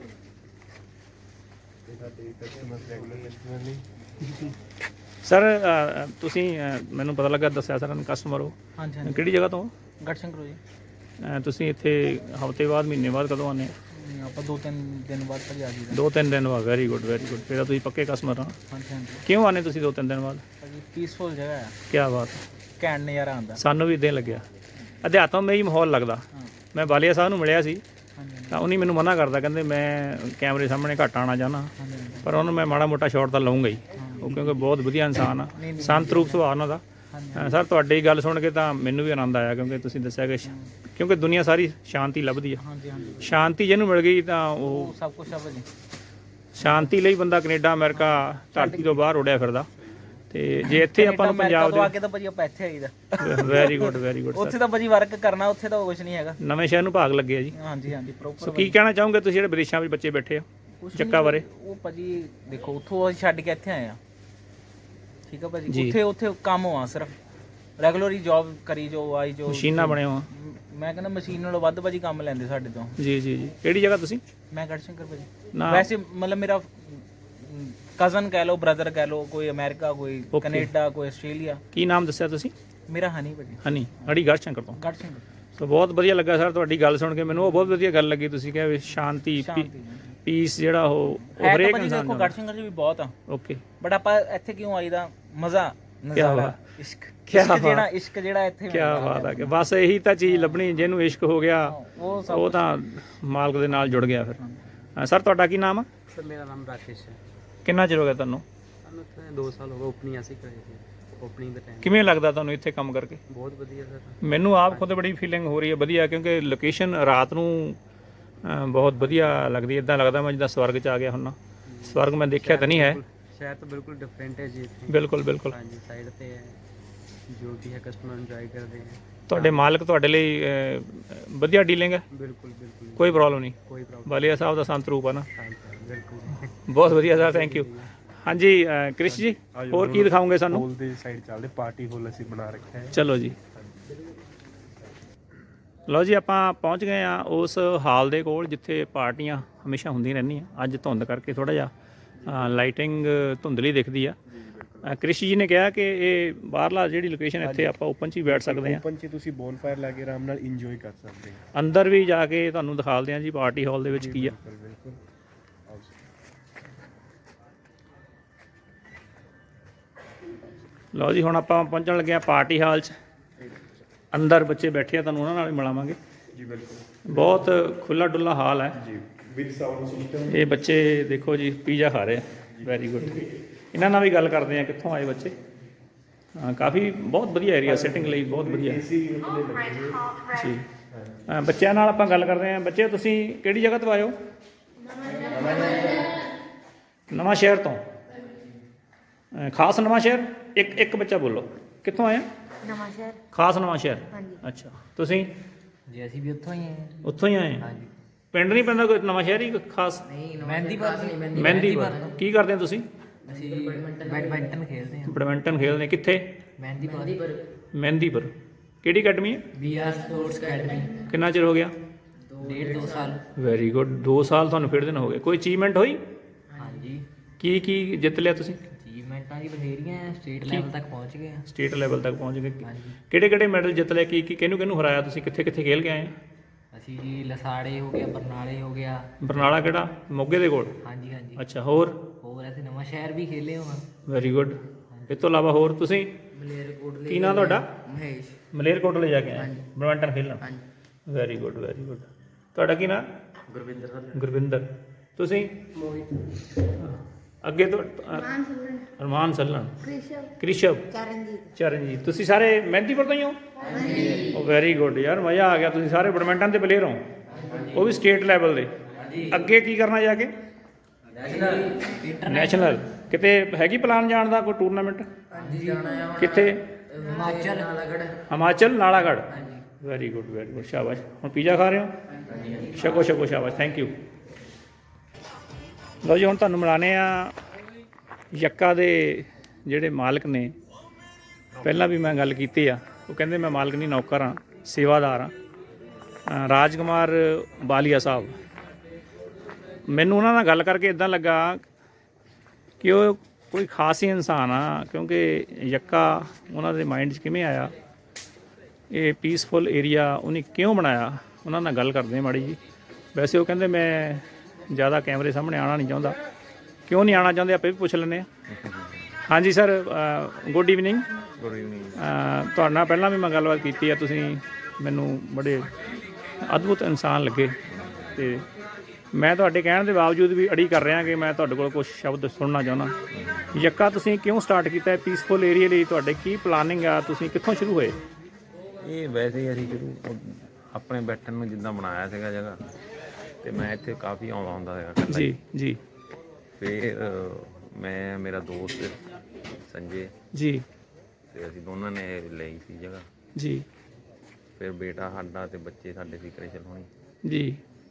Speaker 3: ਇਹ ਸਾਡੇ ਕਸਟਮਰ ਰੈਗੂਲਰ ਕਸਟਮਰ ਨੇ।
Speaker 1: ਸਰ ਅ, ਤੁਸੀਂ ਅ, ਮੈਨੂੰ ਪਤਾ ਲੱਗਾ, ਦੱਸਿਆ ਸਰ ਕਸਟਮਰ ਹੋ।
Speaker 4: ਹਾਂਜੀ ਹਾਂਜੀ।
Speaker 1: ਕਿਹੜੀ ਜਗ੍ਹਾ ਤੋਂ?
Speaker 4: ਗੜਸ਼ੰਕਰ ਜੀ।
Speaker 1: ਅ, ਤੁਸੀਂ ਇੱਥੇ ਹਫ਼ਤੇ ਬਾਅਦ, ਮਹੀਨੇ ਬਾਅਦ ਕਦੋਂ ਆਉਂਦੇ?
Speaker 4: ਆਪਾਂ ਦੋ ਤਿੰਨ ਦਿਨ ਬਾਅਦ ਤੱਕ ਆ ਜੀਦਾ।
Speaker 1: ਦੋ ਤਿੰਨ ਦਿਨ ਬਾਅਦ। Very good very good. ਫਿਰ ਤਾਂ ਤੁਸੀਂ ਪੱਕੇ ਕਸਟਮਰ ਆ।
Speaker 4: ਹਾਂਜੀ ਹਾਂਜੀ
Speaker 1: ਕਿਉਂ ਆਨੇ ਤੁਸੀਂ ਦੋ ਤਿੰਨ ਦਿਨ ਬਾਅਦ?
Speaker 4: ਭਾਜੀ ਪੀਸਫੁਲ ਜਗ੍ਹਾ ਹੈ,
Speaker 1: ਕੀ ਬਾਤ।
Speaker 4: ਘੈਂਟ ਨਜ਼ਾਰਾ ਆਉਂਦਾ।
Speaker 1: ਸਾਨੂੰ ਵੀ ਇਦਾਂ ਹੀ ਲੱਗਿਆ। ਅਧਿਆਤਮਈ ਮਾਹੌਲ ਲੱਗਦਾ।
Speaker 4: ਹਾਂ
Speaker 1: ਮੈਂ ਬਾਲੀਆ ਸਾਹਿਬ ਨੂੰ ਮਿਲਿਆ ਸੀ
Speaker 4: ਹਾਂਜੀ
Speaker 1: ਤਾਂ ਉਹਨੇ ਮੈਨੂੰ ਮਨਾ ਕਰਦਾ, ਕਹਿੰਦੇ ਮੈਂ ਕੈਮਰੇ ਸਾਹਮਣੇ ਘੱਟ ਆਉਣਾ ਚਾਹੁੰਦਾ,
Speaker 4: ਹਾਂਜੀ ਹਾਂਜੀ।
Speaker 1: ਪਰ ਉਹਨੂੰ ਮੈਂ ਮਾੜਾ ਮੋਟਾ ਸ਼ਾਟ ਤਾਂ ਲਊਂਗਾ ਹੀ। ਉਹ ਕਿਉਂਕਿ ਬਹੁਤ ਵਧੀਆ ਇਨਸਾਨ ਆ,
Speaker 4: ਨਹੀਂ, ਨਹੀਂ,
Speaker 1: ਸੰਤ ਰੂਪ ਸੁਭਾਅ ਉਹਨਾਂ ਦਾ।
Speaker 4: ਹਾਂਜੀ
Speaker 1: ਅ, ਸਰ ਤੁਹਾਡੀ ਗੱਲ ਸੁਣ ਕੇ ਤਾਂ ਮੈਨੂੰ ਵੀ ਆਨੰਦ ਆਇਆ, ਕਿਉਂਕਿ ਤੁਸੀਂ ਦੱਸਿਆ ਕਿ ਸ਼- ਕਿਉਂਕਿ ਦੁਨੀਆ ਸਾਰੀ ਸ਼ਾਂਤੀ ਲੱਭਦੀ ਆ।
Speaker 4: ਹਾਂਜੀ ਹਾਂਜੀ।
Speaker 1: ਸ਼ਾਂਤੀ ਜਿਹਨੂੰ ਮਿਲ ਗਈ ਤਾਂ ਉਹ
Speaker 4: ਉਹ ਸਭ ਕੁਝ ਆ ਭਾਜੀ।
Speaker 1: ਸ਼ਾਂਤੀ ਲਈ ਬੰਦਾ ਕੈਨੇਡਾ ਅਮਰੀਕਾ ਧਰਤੀ ਤੋਂ ਬਾਹਰ ਉੱਡਿਆ ਫਿਰਦਾ। ਤੇ ਜੇ ਇੱਥੇ ਆਪਾਂ ਨੂੰ ਪੰਜਾਬ
Speaker 4: ਤੋਂ ਆ ਕੇ ਤਾਂ ਭਾਜੀ ਆਪਾਂ ਇੱਥੇ ਆਈਦਾ।
Speaker 1: ਦੇ ਵੈਰੀ ਗੁੱਡ ਵੈਰੀ ਗੁੱਡ
Speaker 4: ਉੱਥੇ ਤਾਂ ਭਾਜੀ ਵਰਕ ਕਰਨਾ, ਉੱਥੇ ਤਾਂ ਕੁਝ ਨਹੀਂ ਹੈਗਾ।
Speaker 1: ਨਵੇਂ ਸ਼ਹਿਰ ਨੂੰ ਭਾਗ ਲੱਗੇ ਆ ਜੀ।
Speaker 4: ਹਾਂਜੀ ਹਾਂਜੀ
Speaker 1: ਸੋ
Speaker 4: ਪ੍ਰੋਪਰ।
Speaker 1: ਕੀ ਕਹਿਣਾ ਚਾਹੋਗੇ ਤੁਸੀਂ ਜਿਹੜੇ ਵਿਦੇਸ਼ਾਂ ਵਿੱਚ ਬੱਚੇ ਬੈਠੇ ਆ?
Speaker 4: ਕੁਛ
Speaker 1: ਜੱਕਾ
Speaker 4: ਨਹੀਂ
Speaker 1: ਬਾਰੇ?
Speaker 4: ਉਹ ਭਾਜੀ ਦੇਖੋ ਉੱਥੋਂ ਅਸੀਂ ਛੱਡ ਕੇ ਇੱਥੇ ਆਏ ਆ, ਠੀਕ ਆ ਭਾਜੀ।
Speaker 1: ਜੀ।
Speaker 4: ਉੱਥੇ ਉੱਥੇ ਕੰਮ ਹੋਆ ਸਿਰਫ ਰੈਗੂਲਰ ਹੀ ਜੌਬ ਕਰੀ ਜੋ ਆਈ ਜੋ
Speaker 1: ਮਸ਼ੀਨਾਂ ਬਣੇ ਹੋ?
Speaker 4: ਮ- ਮੈਂ ਕਹਿੰਦਾ ਮਸ਼ੀਨ ਨਾਲੋਂ ਵੱਧ ਭਾਜੀ ਕੰਮ ਲੈਂਦੇ ਸਾਡੇ ਤੋਂ।
Speaker 1: ਜੀ ਜੀ ਜੀ। ਕਿਹੜੀ ਜਗ੍ਹਾ ਤੁਸੀਂ?
Speaker 4: ਮੈਂ ਗੜਸ਼ੰਕਰ ਭਾਜੀ।
Speaker 1: ਨਾ।
Speaker 4: ਵੈਸੇ ਮਤਲਬ ਮੇਰਾ ਕਜ਼ਨ ਕਹਿ ਲਓ, ਬ੍ਰਦਰ ਕਹਿ ਲਓ, ਕੋਈ ਅਮਰੀਕਾ, ਕੋਈ
Speaker 1: Okay.
Speaker 4: ਕੈਨੇਡਾ, ਕੋਈ ਆਸਟ੍ਰੇਲੀਆ।
Speaker 1: ਕੀ ਨਾਮ ਦੱਸਿਆ ਤੁਸੀਂ?
Speaker 4: ਮੇਰਾ ਹਨੀ ਭਾਜੀ,
Speaker 1: ਹਨੀ, ਅੜੀ ਗੜਸ਼ੰਕਰ ਤੋਂ।
Speaker 4: ਗੜਸ਼ੰਕਰ।
Speaker 1: ਸੋ ਬਹੁਤ ਵਧੀਆ ਲੱਗਾ ਸਰ ਤੁਹਾਡੀ ਗੱਲ ਸੁਣ ਕੇ, ਮੈਨੂੰ ਉਹ ਬਹੁਤ ਵਧੀਆ ਗੱਲ ਲੱਗੀ। ਤੁਸੀਂ ਕਿਹਾ ਵੀ ਸ਼ਾਂਤੀ,
Speaker 4: ਸ਼ਾਂਤੀ
Speaker 1: ਪੀਸ ਜਿਹੜਾ ਉਹ ਉਹ
Speaker 4: ਹੈ ਤਾਂ
Speaker 1: ਹਰੇਕ
Speaker 4: ਭਾਜੀ
Speaker 1: ਇਨਸਾਨ
Speaker 4: ਦੇਖੋ
Speaker 1: ਦਾ।
Speaker 4: ਗੜਸ਼ੰਕਰ 'ਚ ਵੀ ਬਹੁਤ ਆ,
Speaker 1: ਓਕੇ,
Speaker 4: ਬਟ ਆਪਾਂ ਇੱਥੇ ਕਿਉਂ ਆਈਦਾ? ਮਜ਼ਾ, ਨਜ਼ਾਰਾ,
Speaker 1: ਬਾਤ।
Speaker 4: ਇਸ਼ਕ।
Speaker 1: ਕਿਆ
Speaker 4: ਇਸ਼ਕ
Speaker 1: ਬਾਤ।
Speaker 4: ਜਿਹੜਾ ਇਸ਼ਕ ਜਿਹੜਾ ਇੱਥੇ
Speaker 1: ਕੀ
Speaker 4: ਮਿਲਦਾ
Speaker 1: ਬਾਤ ਹੈ ਕਿ ਬਸ ਇਹੀ ਤਾਂ ਚੀਜ਼ ਲੱਭਣੀ, ਜਿਹਨੂੰ ਇਸ਼ਕ ਹੋ ਗਿਆ
Speaker 4: ਉਹ ਸਭ
Speaker 1: ਉਹ ਤਾਂ ਮਾਲਕ ਦੇ ਨਾਲ ਜੁੜ ਗਿਆ ਫਿਰ। ਹਾਂ, ਸਰ ਤੁਹਾਡਾ ਕੀ ਨਾਮ ਆ?
Speaker 5: ਸਰ ਮੇਰਾ ਨਾਮ ਰਾਕੇਸ਼ ਹੈ।
Speaker 1: ਕਿੰਨਾ ਚਿਰ ਹੋ ਗਿਆ ਤੁਹਾਨੂੰ?
Speaker 5: ਸਾਨੂੰ ਇੱਥੇ ਦੋ ਸਾਲ ਹੋ ਗਏ ਓਪਨਿੰਗ ਅਸੀਂ ਕਰੇ ਸੀ, ਓਪਨਿੰਗ ਦਾ ਟਾਈਮ
Speaker 1: ਕਿਵੇਂ ਲੱਗਦਾ ਤੁਹਾਨੂੰ ਇੱਥੇ ਕੰਮ ਕਰਕੇ?
Speaker 5: ਬਹੁਤ ਵਧੀਆ ਸਰ।
Speaker 1: ਮੈਨੂੰ ਆਪ ਖੁਦ ਬੜੀ ਫੀਲਿੰਗ ਹੋ ਰਹੀ ਹੈ ਵਧੀਆ, ਕਿਉਂਕਿ ਲੋਕੇਸ਼ਨ ਰਾਤ ਨੂੰ ਅ, ਬਹੁਤ ਵਧੀਆ ਲੱਗਦੀ ਹੈ। ਇਦਾਂ ਲੱਗਦਾ ਮੈਂ ਜਿੱਦਾਂ ਸਵਰਗ 'ਚ ਆ ਗਿਆ ਹੁੰਨਾ। ਸਵਰਗ ਮੈਂ ਦੇਖਿਆ ਤਾਂ ਨਹੀਂ ਹੈ।
Speaker 5: ਸ਼ਹਿਰ ਤਾਂ ਬਿਲਕੁਲ ਡਿਫਰੈਂਟ ਹੈ ਜੀ ਇੱਥੇ।
Speaker 1: ਬਿਲਕੁਲ ਬਿਲਕੁਲ।
Speaker 5: ਹਾਂਜੀ, ਸਾਈਡ ਤੇ ਹੈ, ਜੋ ਵੀ ਹੈ ਕਸਟਮਰ ਇੰਜੋਏ ਕਰਦੇ ਹੈ।
Speaker 1: ਤੁਹਾਡੇ ਮਾਲਕ ਤੁਹਾਡੇ ਲਈ ਅ, ਵਧੀਆ ਡੀਲਿੰਗ ਹੈ?
Speaker 5: ਬਿਲਕੁਲ ਬਿਲकुल
Speaker 1: ਕੋਈ ਪ੍ਰੋਬਲਮ ਨਹੀਂ?
Speaker 5: ਕੋਈ ਪ੍ਰੋਬਲਮ
Speaker 1: ਵਾਲੀਆ ਸਾਹਿਬ ਦਾ ਸੰਤ ਰੂਪ ਆ ਨਾ।
Speaker 5: ਨਹੀਂ, ਬਿਲਕੁਲ।
Speaker 1: ਬਹੁਤ ਵਧੀਆ ਸਰ, ਥੈਂਕ ਯੂ। ਹਾਂਜੀ ਅ, ਕ੍ਰਿਸ਼ ਜੀ, ਹੋਰ ਕੀ ਦਿਖਾਓਗੇ ਸਾਨੂੰ?
Speaker 3: ਹੋਲ ਦੇ ਸਾਈਡ ਚੱਲਦੇ, ਪਾਰਟੀ ਹੋਲ ਅਸੀਂ ਬਣਾ ਰੱਖਿਆ ਹੈ।
Speaker 1: ਚਲੋ ਜੀ। ਲਓ ਜੀ, ਆਪਾਂ ਪਹੁੰਚ ਗਏ ਆ ਉਸ ਹਾਲ ਦੇ ਕੋਲ ਜਿੱਥੇ ਪਾਰਟੀਆਂ ਹਮੇਸ਼ਾ ਹੁੰਦੀਆਂ ਰਹਿੰਦੀਆਂ। ਅੱਜ ਧੁੰਦ ਕਰਕੇ ਥੋੜਾ ਜਿਹਾ ਲਾਈਟਿੰਗ ਧੁੰਦਲੀ ਦਿਖਦੀ ਆ। ਅ, ਕ੍ਰਿਸ਼ ਜੀ ਨੇ ਕਿਹਾ ਕਿ ਇਹ ਬਾਹਰਲਾ ਜਿਹੜੀ ਲੋਕੇਸ਼ਨ ਇੱਥੇ ਆਪਾਂ ਓਪਨ 'ਚ ਹੀ ਬੈਠ ਸਕਦੇ ਆ।
Speaker 3: ਓਪਨ 'ਚ ਤੁਸੀਂ ਬੋਨਫਾਇਰ ਲਾ ਕੇ ਆਰਾਮ ਨਾਲ ਇੰਜੋਏ ਕਰ ਸਕਦੇ ਹੋ।
Speaker 1: ਅੰਦਰ ਵੀ ਜਾ ਕੇ ਤੁਹਾਨੂੰ ਦਿਖਾਲਦੇ ਆ ਜੀ ਪਾਰਟੀ ਹਾਲ ਦੇ ਵਿੱਚ ਕੀ ਆ।
Speaker 3: ਬਿਲਕੁਲ ਬਿਲਕੁਲ। ਆਓ ਜੀ।
Speaker 1: ਲਓ ਜੀ, ਹੁਣ ਆਪਾਂ ਪਹੁੰਚਣ ਲੱਗੇ ਆ ਪਾਰਟੀ ਹਾਲ 'ਚ। ਅੰਦਰ ਬੱਚੇ ਬੈਠੇ ਆ, ਤੁਹਾਨੂੰ ਉਹਨਾਂ ਨਾਲ ਵੀ ਮਿਲਾਵਾਂਗੇ।
Speaker 3: ਜੀ ਬਿਲਕੁਲ
Speaker 1: ਬਹੁਤ ਖੁੱਲਾ ਡੁੱਲਾ ਹਾਲ ਹੈ
Speaker 3: ਜੀ, ਵਿਦ ਸਾਊਂਡ ਸਿਸਟਮ।
Speaker 1: ਇਹ ਬੱਚੇ ਦੇਖੋ ਜੀ ਪੀਜ਼ਾ ਖਾ ਰਹੇ ਆ। Very good. ਇਹਨਾਂ ਨਾਲ ਵੀ ਗੱਲ ਕਰਦੇ ਆ ਕਿੱਥੋਂ ਆਏ ਬੱਚੇ। ਹਾਂ, ਕਾਫੀ ਬਹੁਤ ਵਧੀਆ ਏਰੀਆ ਸਿਟਿੰਗ ਲਈ, ਬਹੁਤ ਵਧੀਆ
Speaker 3: ਏਸੀ ਉਹਨੇ ਲੱਗੇ ਹੋਏ।
Speaker 1: ਜੀ। ਅ, ਬੱਚਿਆਂ ਨਾਲ ਆਪਾਂ ਗੱਲ ਕਰਦੇ ਆ। ਬੱਚੇ ਤੁਸੀਂ ਕਿਹੜੀ ਜਗ੍ਹਾ ਤੋਂ ਆਏ ਹੋ? ਨਵਾਂ ਸ਼ਹਿਰ ਤੋਂ। ਅ, ਖਾਸ ਨਵਾਂ ਸ਼ਹਿਰ? ਇੱਕ ਇੱਕ ਬੱਚਾ ਬੋਲੋ, ਕਿੱਥੋਂ ਆਏ?
Speaker 6: ਨਵਾਂ ਸ਼ਹਿਰ।
Speaker 1: ਖਾਸ ਨਵਾਂ ਸ਼ਹਿਰ।
Speaker 6: ਹਾਂਜੀ।
Speaker 1: ਅੱਛਾ, ਤੁਸੀਂ
Speaker 4: ਜੀ ਅਸੀਂ ਵੀ ਉੱਥੋਂ ਹੀ ਆਏ
Speaker 1: ਉੱਥੋਂ ਹੀ ਆਏ?
Speaker 4: ਹਾਂਜੀ।
Speaker 1: ਪਿੰਡ ਨਹੀਂ ਪੈਂਦਾ ਕੋਈ ਨਵਾਂ ਸ਼ਹਿਰ ਹੀ ਕੋਈ ਖਾਸ?
Speaker 4: ਮਹਿੰਦੀਪੁਰ
Speaker 1: ਮਹਿੰਦੀਪੁਰ। ਕੀ ਕਰਦੇ ਹੋ ਤੁਸੀਂ?
Speaker 4: ਅਸੀਂ ਬੈਡਮਿੰਟਨ ਖੇਡਦੇ ਹਾਂ।
Speaker 1: ਬੈਡਮਿੰਟਨ ਖੇਡਦੇ ਕਿੱਥੇ?
Speaker 4: ਮਹਿੰਦੀਪੁਰ
Speaker 1: ਮਹਿੰਦੀਪੁਰ। ਕਿਹੜੀ ਅਕੈਡਮੀ ਹੈ?
Speaker 4: V R sports academy.
Speaker 1: ਕਿੰਨਾ ਚਿਰ ਹੋ ਗਿਆ?
Speaker 4: ਡੇਢ ਦੋ ਸਾਲ।
Speaker 1: Very good. ਦੋ ਸਾਲ ਤੁਹਾਨੂੰ ਖੇਡਦੇ ਨੂੰ ਹੋ ਗਏ। ਕੋਈ ਅਚੀਵਮੈਂਟ ਹੋਈ?
Speaker 4: ਹਾਂਜੀ,
Speaker 1: ਕੀ ਕੀ ਜਿੱਤ ਲਿਆ ਤੁਸੀਂ?
Speaker 4: ਅਚੀਵਮੈਂਟਾਂ ਦੀ ਬਥੇਰੀਆਂ ਹੈ, ਸਟੇਟ ਲੈਵਲ ਤੱਕ ਪਹੁੰਚ ਗਏ ਹਾਂ।
Speaker 1: ਸਟੇਟ ਲੈਵਲ ਤੱਕ ਪਹੁੰਚ ਗਏ।
Speaker 4: ਹਾਂਜੀ।
Speaker 1: ਕਿਹੜੇ ਕਿਹੜੇ ਮੈਡਲ ਜਿੱਤ ਲਏ? ਕੀ ਕੀ ਕਿਹਨੂੰ ਕਿਹਨੂੰ ਹਰਾਇਆ ਤੁਸੀਂ? ਕਿੱਥੇ ਕਿੱਥੇ ਖੇਲ ਕੇ ਆਏ?
Speaker 4: ਅਸੀਂ ਜੀ ਲਸਾੜੇ ਹੋ ਗਿਆ, ਬਰਨਾਲੇ ਹੋ ਗਿਆ।
Speaker 1: ਬਰਨਾਲਾ ਕਿਹੜਾ? ਮੋਗੇ ਦੇ ਕੋਲ?
Speaker 4: ਹਾਂਜੀ ਹਾਂਜੀ।
Speaker 1: ਅੱਛਾ, ਹੋਰ?
Speaker 4: ਹੋਰ ਅਸੀਂ ਨਵਾਂ ਸ਼ਹਿਰ ਵੀ ਖੇਲੇ ਹਾਂ।
Speaker 1: Very good. ਇਸ ਤੋਂ ਇਲਾਵਾ ਹੋਰ ਤੁਸੀਂ?
Speaker 4: ਮਲੇਰਕੋਟਲੇ।
Speaker 1: ਕੀ ਨਾਂ ਤੁਹਾਡਾ?
Speaker 4: ਮਹੇਸ਼।
Speaker 1: ਮਲੇਰਕੋਟਲੇ ਜਾ ਕੇ ਆਏ ਬੈਡਮਿੰਟਨ ਖੇਲਣ? Very good very good. ਤੁਹਾਡਾ ਕੀ ਨਾਂ?
Speaker 5: ਗੁਰਵਿੰਦਰ
Speaker 1: ਗੁਰਵਿੰਦਰ। ਤੁਸੀਂ?
Speaker 6: ਮੋਹਿਤ।
Speaker 1: ਅੱਗੇ ਤੋਂ?
Speaker 6: ਮਾਨ ਸੁਲਨ।
Speaker 1: ਅਰਮਾਨ ਸੱਲਣ।
Speaker 6: ਕ੍ਰਿਸ਼ਵ।
Speaker 1: ਕ੍ਰਿਸ਼ਵ।
Speaker 6: ਚਰਨਜੀਤ।
Speaker 1: ਚਰਨਜੀਤ। ਤੁਸੀਂ ਸਾਰੇ ਮਹਿੰਦੀਪੁਰ ਤੋਂ ਹੀ ਹੋ? ਹਾਂਜੀ। ਉਹ ਵੈਰੀ ਗੁੱਡ ਯਾਰ, ਮਜ਼ਾ ਆ ਗਿਆ। ਤੁਸੀਂ ਸਾਰੇ ਬੈਡਮਿੰਟਨ ਦੇ ਪਲੇਅਰ ਹੋ, ਉਹ ਵੀ ਸਟੇਟ ਲੈਵਲ ਦੇ। ਅੱਗੇ ਕੀ ਕਰਨਾ ਜਾ ਕੇ? ਨੈਸ਼ਨਲ। ਕਿਤੇ ਹੈਗੀ ਪਲਾਨ ਜਾਣ ਦਾ ਕੋਈ ਟੂਰਨਾਮੈਂਟ?
Speaker 4: ਹਾਂਜੀ ਜਾਣਾ ਆ।
Speaker 1: ਕਿੱਥੇ?
Speaker 4: Himachal Nalagarh.
Speaker 1: Himachal Nalagarh. Very good very good, ਸ਼ਾਬਾਸ਼। ਹੁਣ ਪੀਜ਼ਾ ਖਾ ਰਹੇ ਹੋ? ਛਕੋ ਛਕੋ, ਸ਼ਾਬਾਸ਼, ਥੈਂਕ ਯੂ। ਲਓ ਜੀ, ਹੁਣ ਤੁਹਾਨੂੰ ਮਿਲਾਨੇ ਆ ਯੱਕਾ ਦੇ ਜਿਹੜੇ ਮਾਲਕ ਨੇ। ਪਹਿਲਾਂ ਵੀ ਮੈਂ ਗੱਲ ਕੀਤੀ ਆ, ਉਹ ਕਹਿੰਦੇ ਮੈਂ ਮਾਲਕ ਨਹੀਂ, ਨੌਕਰ ਹਾਂ, ਸੇਵਾਦਾਰ ਹਾਂ। ਰਾਜਕੁਮਾਰ ਬਾਲੀਆ ਸਾਹਿਬ। ਮੈਨੂੰ ਉਹਨਾਂ ਨਾਲ ਗੱਲ ਕਰਕੇ ਇਦਾਂ ਲੱਗਾ ਕਿ ਉਹ ਕੋਈ ਖਾਸ ਹੀ ਇਨਸਾਨ ਆ, ਕਿਉਂਕਿ ਯੱਕਾ ਉਹਨਾਂ ਦੇ ਮਾਈਂਡ 'ਚ ਕਿਵੇਂ ਆਇਆ, ਇਹ ਪੀਸਫੁਲ ਏਰੀਆ ਉਹਨੇ ਕਿਉਂ ਬਣਾਇਆ, ਉਹਨਾਂ ਨਾਲ ਗੱਲ ਕਰਦੇ ਮਾੜੀ ਜੀ। ਵੈਸੇ ਉਹ ਕਹਿੰਦੇ ਮੈਂ ਜ਼ਿਆਦਾ ਕੈਮਰੇ ਸਾਹਮਣੇ ਆਉਣਾ ਨਹੀਂ ਚਾਹੁੰਦਾ। ਕਿਉਂ ਨਹੀਂ ਆਉਣਾ ਚਾਹੁੰਦੇ, ਆਪੇ ਵੀ ਪੁੱਛ ਲੈਂਦੇ ਹਾਂ। ਹਾਂਜੀ sir, good evening.
Speaker 3: Good evening.
Speaker 1: ਤੁਹਾਡੇ ਨਾਲ ਪਹਿਲਾਂ ਵੀ ਮੈਂ ਗੱਲਬਾਤ ਕੀਤੀ ਆ, ਤੁਸੀਂ ਮੈਨੂੰ ਬੜੇ ਅਦਭੁਤ ਇਨਸਾਨ ਲੱਗੇ, ਅਤੇ ਮੈਂ ਤੁਹਾਡੇ ਕਹਿਣ ਦੇ ਬਾਵਜੂਦ ਵੀ ਅੜੀ ਕਰ ਰਿਹਾ ਕਿ ਮੈਂ ਤੁਹਾਡੇ ਕੋਲ ਕੁਝ ਸ਼ਬਦ ਸੁਣਨਾ ਚਾਹੁੰਦਾ। ਯੱਕਾ ਤੁਸੀਂ ਕਿਉਂ ਸਟਾਰਟ ਕੀਤਾ ਪੀਸਫੁਲ ਏਰੀਆ ਲਈ? ਤੁਹਾਡੇ ਕੀ ਪਲਾਨਿੰਗ ਆ? ਤੁਸੀਂ ਕਿੱਥੋਂ ਸ਼ੁਰੂ ਹੋਏ?
Speaker 7: ਇਹ ਵੈਸੇ ਹੀ ਅਸੀਂ ਸ਼ੁਰੂ ਆਪਣੇ ਬੈਠਣ ਨੂੰ ਜਿੱਦਾਂ ਬਣਾਇਆ ਸੀਗਾ ਜਗ੍ਹਾ, ਤੇ ਮੈਂ ਇੱਥੇ ਕਾਫੀ ਆਉਂਦਾ ਹੁੰਦਾ ਸੀਗਾ ਇਕੱਲਾ ਹੀ।
Speaker 1: ਜੀ ਜੀ।
Speaker 7: ਫਿਰ ਮੈਂ, ਮੇਰਾ ਦੋਸਤ ਸੰਜੇ
Speaker 1: ਜੀ
Speaker 7: ਤੇ ਅਸੀਂ ਦੋਨਾਂ ਨੇ ਲਈ ਸੀ ਜਗ੍ਹਾ।
Speaker 1: ਜੀ
Speaker 7: ਫਿਰ ਬੇਟਾ ਸਾਡਾ ਤੇ ਬੱਚੇ ਸਾਡੇ ਸੀ ਕ੍ਰਿਸ਼ਨ ਹੋਣੀ।
Speaker 1: ਜੀ।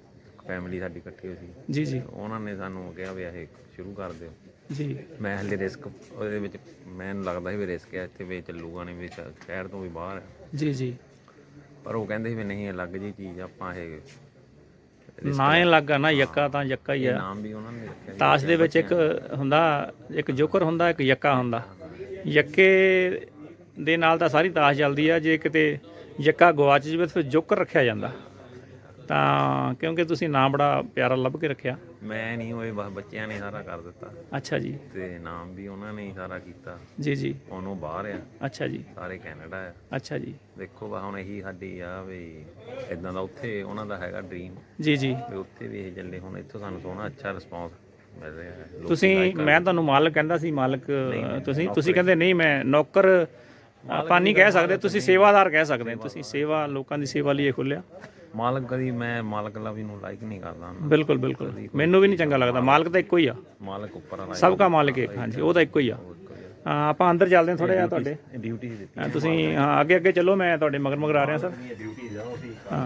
Speaker 7: ਫੈਮਿਲੀ ਸਾਡੀ ਇਕੱਠੀ ਹੋਈ ਸੀ,
Speaker 1: ਜੀ ਜੀ
Speaker 7: ਉਹਨਾਂ ਨੇ ਸਾਨੂੰ ਕਿਹਾ ਵੀ ਇਹ ਸ਼ੁਰੂ ਕਰ ਦਿਓ।
Speaker 1: ਜੀ
Speaker 7: ਮੈਂ ਹਲੇ ਰਿਸਕ ਉਹਦੇ ਵਿੱਚ, ਮੈਨੂੰ ਲੱਗਦਾ ਸੀ ਵੀ ਰਿਸਕ ਹੈ ਇੱਥੇ ਵੀ ਚੱਲੂਗਾ ਨਹੀਂ, ਵੀ ਸ਼ਹਿ- ਸ਼ਹਿਰ ਤੋਂ ਵੀ ਬਾਹਰ ਹੈ,
Speaker 1: ਜੀ ਜੀ
Speaker 7: ਪਰ ਉਹ ਕਹਿੰਦੇ ਸੀ ਵੀ ਨਹੀਂ ਅਲੱਗ ਜੀ ਚੀਜ਼ ਆ, ਆਪਾਂ ਇਹ
Speaker 1: ਨਾ ਇਹ ਲੱਗਾ ਨਾ ਯੱਕਾ ਤਾਂ ਯੱਕਾ ਹੀ
Speaker 7: ਇਹ
Speaker 1: ਆ।
Speaker 7: ਨਾਮ ਵੀ ਉਹਨਾਂ ਨੇ ਰੱਖਿਆ ਸੀ।
Speaker 1: ਤਾਸ਼ ਦੇ ਵਿੱਚ ਇੱਕ ਹੁੰਦਾ, ਇੱਕ ਜੋਕਰ ਹੁੰਦਾ, ਇੱਕ ਯੱਕਾ ਹੁੰਦਾ। ਯੱਕੇ ਦੇ ਨਾਲ ਤਾਂ ਸਾਰੀ ਤਾਸ਼ ਚੱਲਦੀ ਆ, ਜੇ ਕਿਤੇ ਯੱਕਾ ਗਵਾਚ ਜਾਵੇ ਤਾਂ ਫਿਰ ਜੋਕਰ ਰੱਖਿਆ ਜਾਂਦਾ। ਤਾਂ ਕਿਉਂਕਿ ਤੁਸੀਂ ਨਾਮ ਬੜਾ ਪਿਆਰਾ ਲੱਭ ਕੇ ਰੱਖਿਆ।
Speaker 7: ਮੈਂ ਨਹੀਂ ਹੋਏ, ਬਸ ਬੱਚਿਆਂ ਨੇ ਸਾਰਾ ਕਰ ਦਿੱਤਾ,
Speaker 1: ਅੱਛਾ ਜੀ
Speaker 7: ਤੇ ਨਾਮ ਵੀ ਉਹਨਾਂ ਨੇ ਹੀ ਸਾਰਾ ਕੀਤਾ।
Speaker 1: ਜੀ ਜੀ
Speaker 7: ਉਹਨੂੰ ਬਾਹਰ ਆ,
Speaker 1: ਅੱਛਾ ਜੀ
Speaker 7: ਸਾਰੇ ਕੈਨੇਡਾ ਆ।
Speaker 1: ਅੱਛਾ ਜੀ
Speaker 7: ਦੇਖੋ ਬਾ ਹੁਣ ਇਹੀ ਸਾਡੀ ਆ ਵੀ ਇਦਾਂ ਦਾ ਉੱਥੇ ਉਹਨਾਂ ਦਾ ਹੈਗਾ ਡ੍ਰੀਮ
Speaker 1: ਜੀ ਜੀ
Speaker 7: ਵੀ ਉੱਥੇ ਵੀ ਇਹ ਚੱਲੇ। ਹੁਣ ਇੱਥੋਂ ਸਾਨੂੰ ਸੋਹਣਾ ਅੱਛਾ ਰਿਸਪੌਂਸ ਮਿਲ ਰਿਹਾ ਹੈ। ਲੋਕੀ
Speaker 1: ਤੁਸੀਂ
Speaker 7: like ਕਰ-
Speaker 1: ਮੈਂ ਤੁਹਾਨੂੰ ਮਾਲਕ ਕਹਿੰਦਾ ਸੀ, ਮਾਲਕ ਤੁਸੀਂ ਤੁਸੀਂ ਕਹਿੰਦੇ ਨਹੀਂ ਮੈਂ ਨੌਕਰ ਆਪਾਂ ਨਹੀਂ ਕਹਿ ਸਕਦੇ, ਤੁਸੀਂ ਸੇਵਾਦਾਰ ਕਹਿ ਸਕਦੇ ਹੋ। ਤੁਸੀਂ ਸੇਵਾ, ਲੋਕਾਂ ਦੀ ਸੇਵਾ ਲਈ ਇਹ ਖੋਲ੍ਹਿਆ।
Speaker 7: ਮਾਲਕ ਕਦੀ ਮੈਂ ਮਾਲਕ ਲਾ ਵੀ ਨੂੰ ਲਾਈਕ ਨਹੀਂ ਕਰਦਾ ਨਾ।
Speaker 1: ਬਿਲਕੁਲ ਬਿਲਕੁਲ ਮੈਨੂੰ ਵੀ ਨਹੀਂ ਚੰਗਾ ਲੱਗਦਾ। ਮਾਲਕ ਤਾਂ ਇੱਕੋ ਹੀ ਆ,
Speaker 7: ਮਾਲਕ ਉੱਪਰ ਵਾਲਾ
Speaker 1: ਸਭ ਦਾ ਮਾਲਕ ਇੱਕ। ਹਾਂਜੀ ਉਹ ਤਾਂ ਇੱਕੋ ਹੀ ਆ। ਹਾਂ ਆਪਾਂ ਅੰਦਰ ਚੱਲਦੇ ਹਾਂ ਥੋੜ੍ਹਾ ਜਿਹਾ ਤੁਹਾਡੇ।
Speaker 7: ਡਿਊਟੀ ਦਿੱਤੀ
Speaker 1: ਹਾਂ, ਤੁਸੀਂ ਹਾਂ ਅੱਗੇ ਅੱਗੇ ਚੱਲੋ, ਮੈਂ ਤੁਹਾਡੇ ਮਗਰ ਮਗਰ ਆ ਰਿਹਾ ਸਰ।
Speaker 7: ਡਿਊਟੀ ਜਾਓ ਸੀ
Speaker 1: ਹਾਂ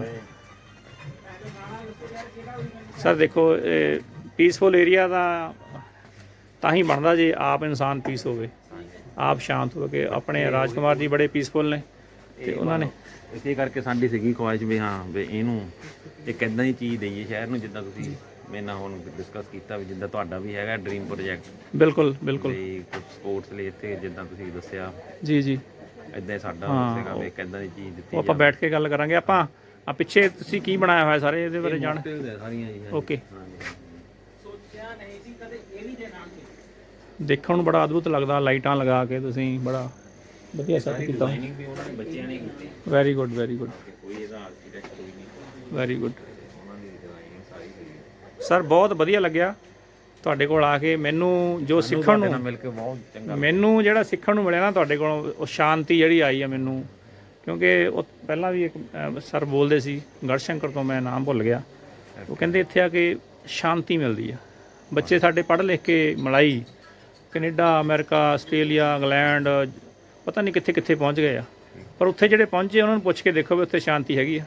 Speaker 1: ਸਰ ਦੇਖੋ ਪੀਸਫੁਲ ਏਰੀਆ ਦਾ ਤਾਂ ਹੀ ਬਣਦਾ ਜੇ ਆਪ ਇਨਸਾਨ ਪੀਸ ਹੋਵੇ, ਆਪ ਸ਼ਾਂਤ ਹੋ ਕੇ। ਆਪਣੇ ਰਾਜਕੁਮਾਰ ਜੀ ਬੜੇ ਪੀਸਫੁਲ ਨੇ ਤੇ ਉਹਨਾਂ ਨੇ
Speaker 7: ਇਸੇ ਕਰਕੇ ਸਾਡੀ ਸੀਗੀ ਖੁਆਇਸ਼ ਵੀ ਹਾਂ ਵੀ ਇਹਨੂੰ ਇੱਕ ਇਦਾਂ ਦੀ ਚੀਜ਼ ਦੇਈਏ ਸ਼ਹਿਰ ਨੂੰ, ਜਿੱਦਾਂ ਤੁਸੀਂ ਮੇਰੇ ਨਾਲ ਹੁਣ ਡਿਸਕਸ ਕੀਤਾ ਵੀ ਜਿੱਦਾਂ ਤੁਹਾਡਾ ਵੀ ਹੈਗਾ ਡ੍ਰੀਮ ਪ੍ਰੋਜੈਕਟ
Speaker 1: ਬਿਲਕੁਲ ਬਿਲਕੁਲ
Speaker 7: ਵੀ ਕੁਝ ਸਪੋਰਟਸ ਲਈ ਇੱਥੇ ਜਿੱਦਾਂ ਤੁਸੀਂ ਦੱਸਿਆ
Speaker 1: ਜੀ ਜੀ
Speaker 7: ਇਦਾਂ ਹੀ ਸਾਡਾ ਸੀਗਾ ਵੀ ਇੱਕ ਇਦਾਂ ਦੀ ਚੀਜ਼ ਦਿੱਤੀ
Speaker 1: ਉਹ ਆਪਾਂ ਬੈਠ ਕੇ ਗੱਲ ਕਰਾਂਗੇ। ਆਪਾਂ ਆ ਪਿੱਛੇ ਤੁਸੀਂ ਕੀ ਬਣਾਇਆ ਹੋਇਆ ਸਾਰੇ ਇਹਦੇ ਬਾਰੇ ਜਾਣ।
Speaker 7: ਜਾਵੇ ਸਾਰੀਆਂ ਜੀ।
Speaker 1: ਓਕੇ ਦੇਖਣ ਨੂੰ ਬੜਾ ਅਦਭੁਤ ਲੱਗਦਾ, ਲਾਈਟਾਂ ਲਗਾ ਕੇ ਤੁਸੀਂ ਬੜਾ ਵਧੀਆ ਸੈੱਟ ਕੀਤਾ।
Speaker 7: ਡਿਜ਼ਾਈਨਿੰਗ ਵੀ ਉਹਨਾਂ ਨੇ ਬੱਚਿਆਂ ਨੇ ਕੀਤੀ,
Speaker 1: ਵੈਰੀ ਗੁੱਡ ਵੈਰੀ ਗੁੱਡ
Speaker 7: ਕੋਈ ਇਹਦਾ ਆਰਕੀਟੈਕਟ ਕੋਈ ਨਹੀਂ,
Speaker 1: ਵੈਰੀ ਗੁੱਡ
Speaker 7: ਉਹਨਾਂ ਦੀ ਡਿਜ਼ਾਈਨਿੰਗ ਸਾਰੀ ਹੋਈ।
Speaker 1: ਸਰ ਬਹੁਤ ਵਧੀਆ ਲੱਗਿਆ ਤੁਹਾਡੇ ਕੋਲ ਆ ਕੇ। ਮੈਨੂੰ ਜੋ ਸਿੱਖਣ
Speaker 7: ਨਾਲ
Speaker 1: ਨੂੰ
Speaker 7: ਮਿਲ ਕੇ ਬਹੁਤ ਚੰਗਾ
Speaker 1: ਮੈਨੂੰ ਜਿਹੜਾ ਸਿੱਖਣ ਨੂੰ ਮਿਲਿਆ ਨਾ ਤੁਹਾਡੇ ਕੋਲੋਂ, ਉਹ ਸ਼ਾਂਤੀ ਜਿਹੜੀ ਆਈ ਆ ਮੈਨੂੰ। ਕਿਉਂਕਿ ਉਹ ਪਹਿਲਾਂ ਵੀ ਇੱਕ ਅਹ, ਸਰ ਬੋਲਦੇ ਸੀ ਗੜਸ਼ੰਕਰ ਤੋਂ, ਮੈਂ ਨਾਮ ਭੁੱਲ ਗਿਆ। ਉਹ ਕਹਿੰਦੇ ਇੱਥੇ ਆ ਕੇ ਸ਼ਾਂਤੀ ਮਿਲਦੀ ਆ। ਬੱਚੇ ਸਾਡੇ ਪੜ੍ਹ ਲਿਖ ਕੇ ਮਲਾਈ, ਕੈਨੇਡਾ, ਅਮਰੀਕਾ, ਆਸਟ੍ਰੇਲੀਆ, ਇੰਗਲੈਂਡ, ਪਤਾ ਨਹੀਂ ਕਿੱਥੇ ਕਿੱਥੇ ਪਹੁੰਚ ਗਏ ਆ, ਪਰ ਉੱਥੇ ਜਿਹੜੇ ਪਹੁੰਚੇ ਉਹਨਾਂ ਨੂੰ ਪੁੱਛ ਕੇ ਦੇਖੋ ਵੀ ਉੱਥੇ ਸ਼ਾਂਤੀ ਹੈਗੀ ਆ।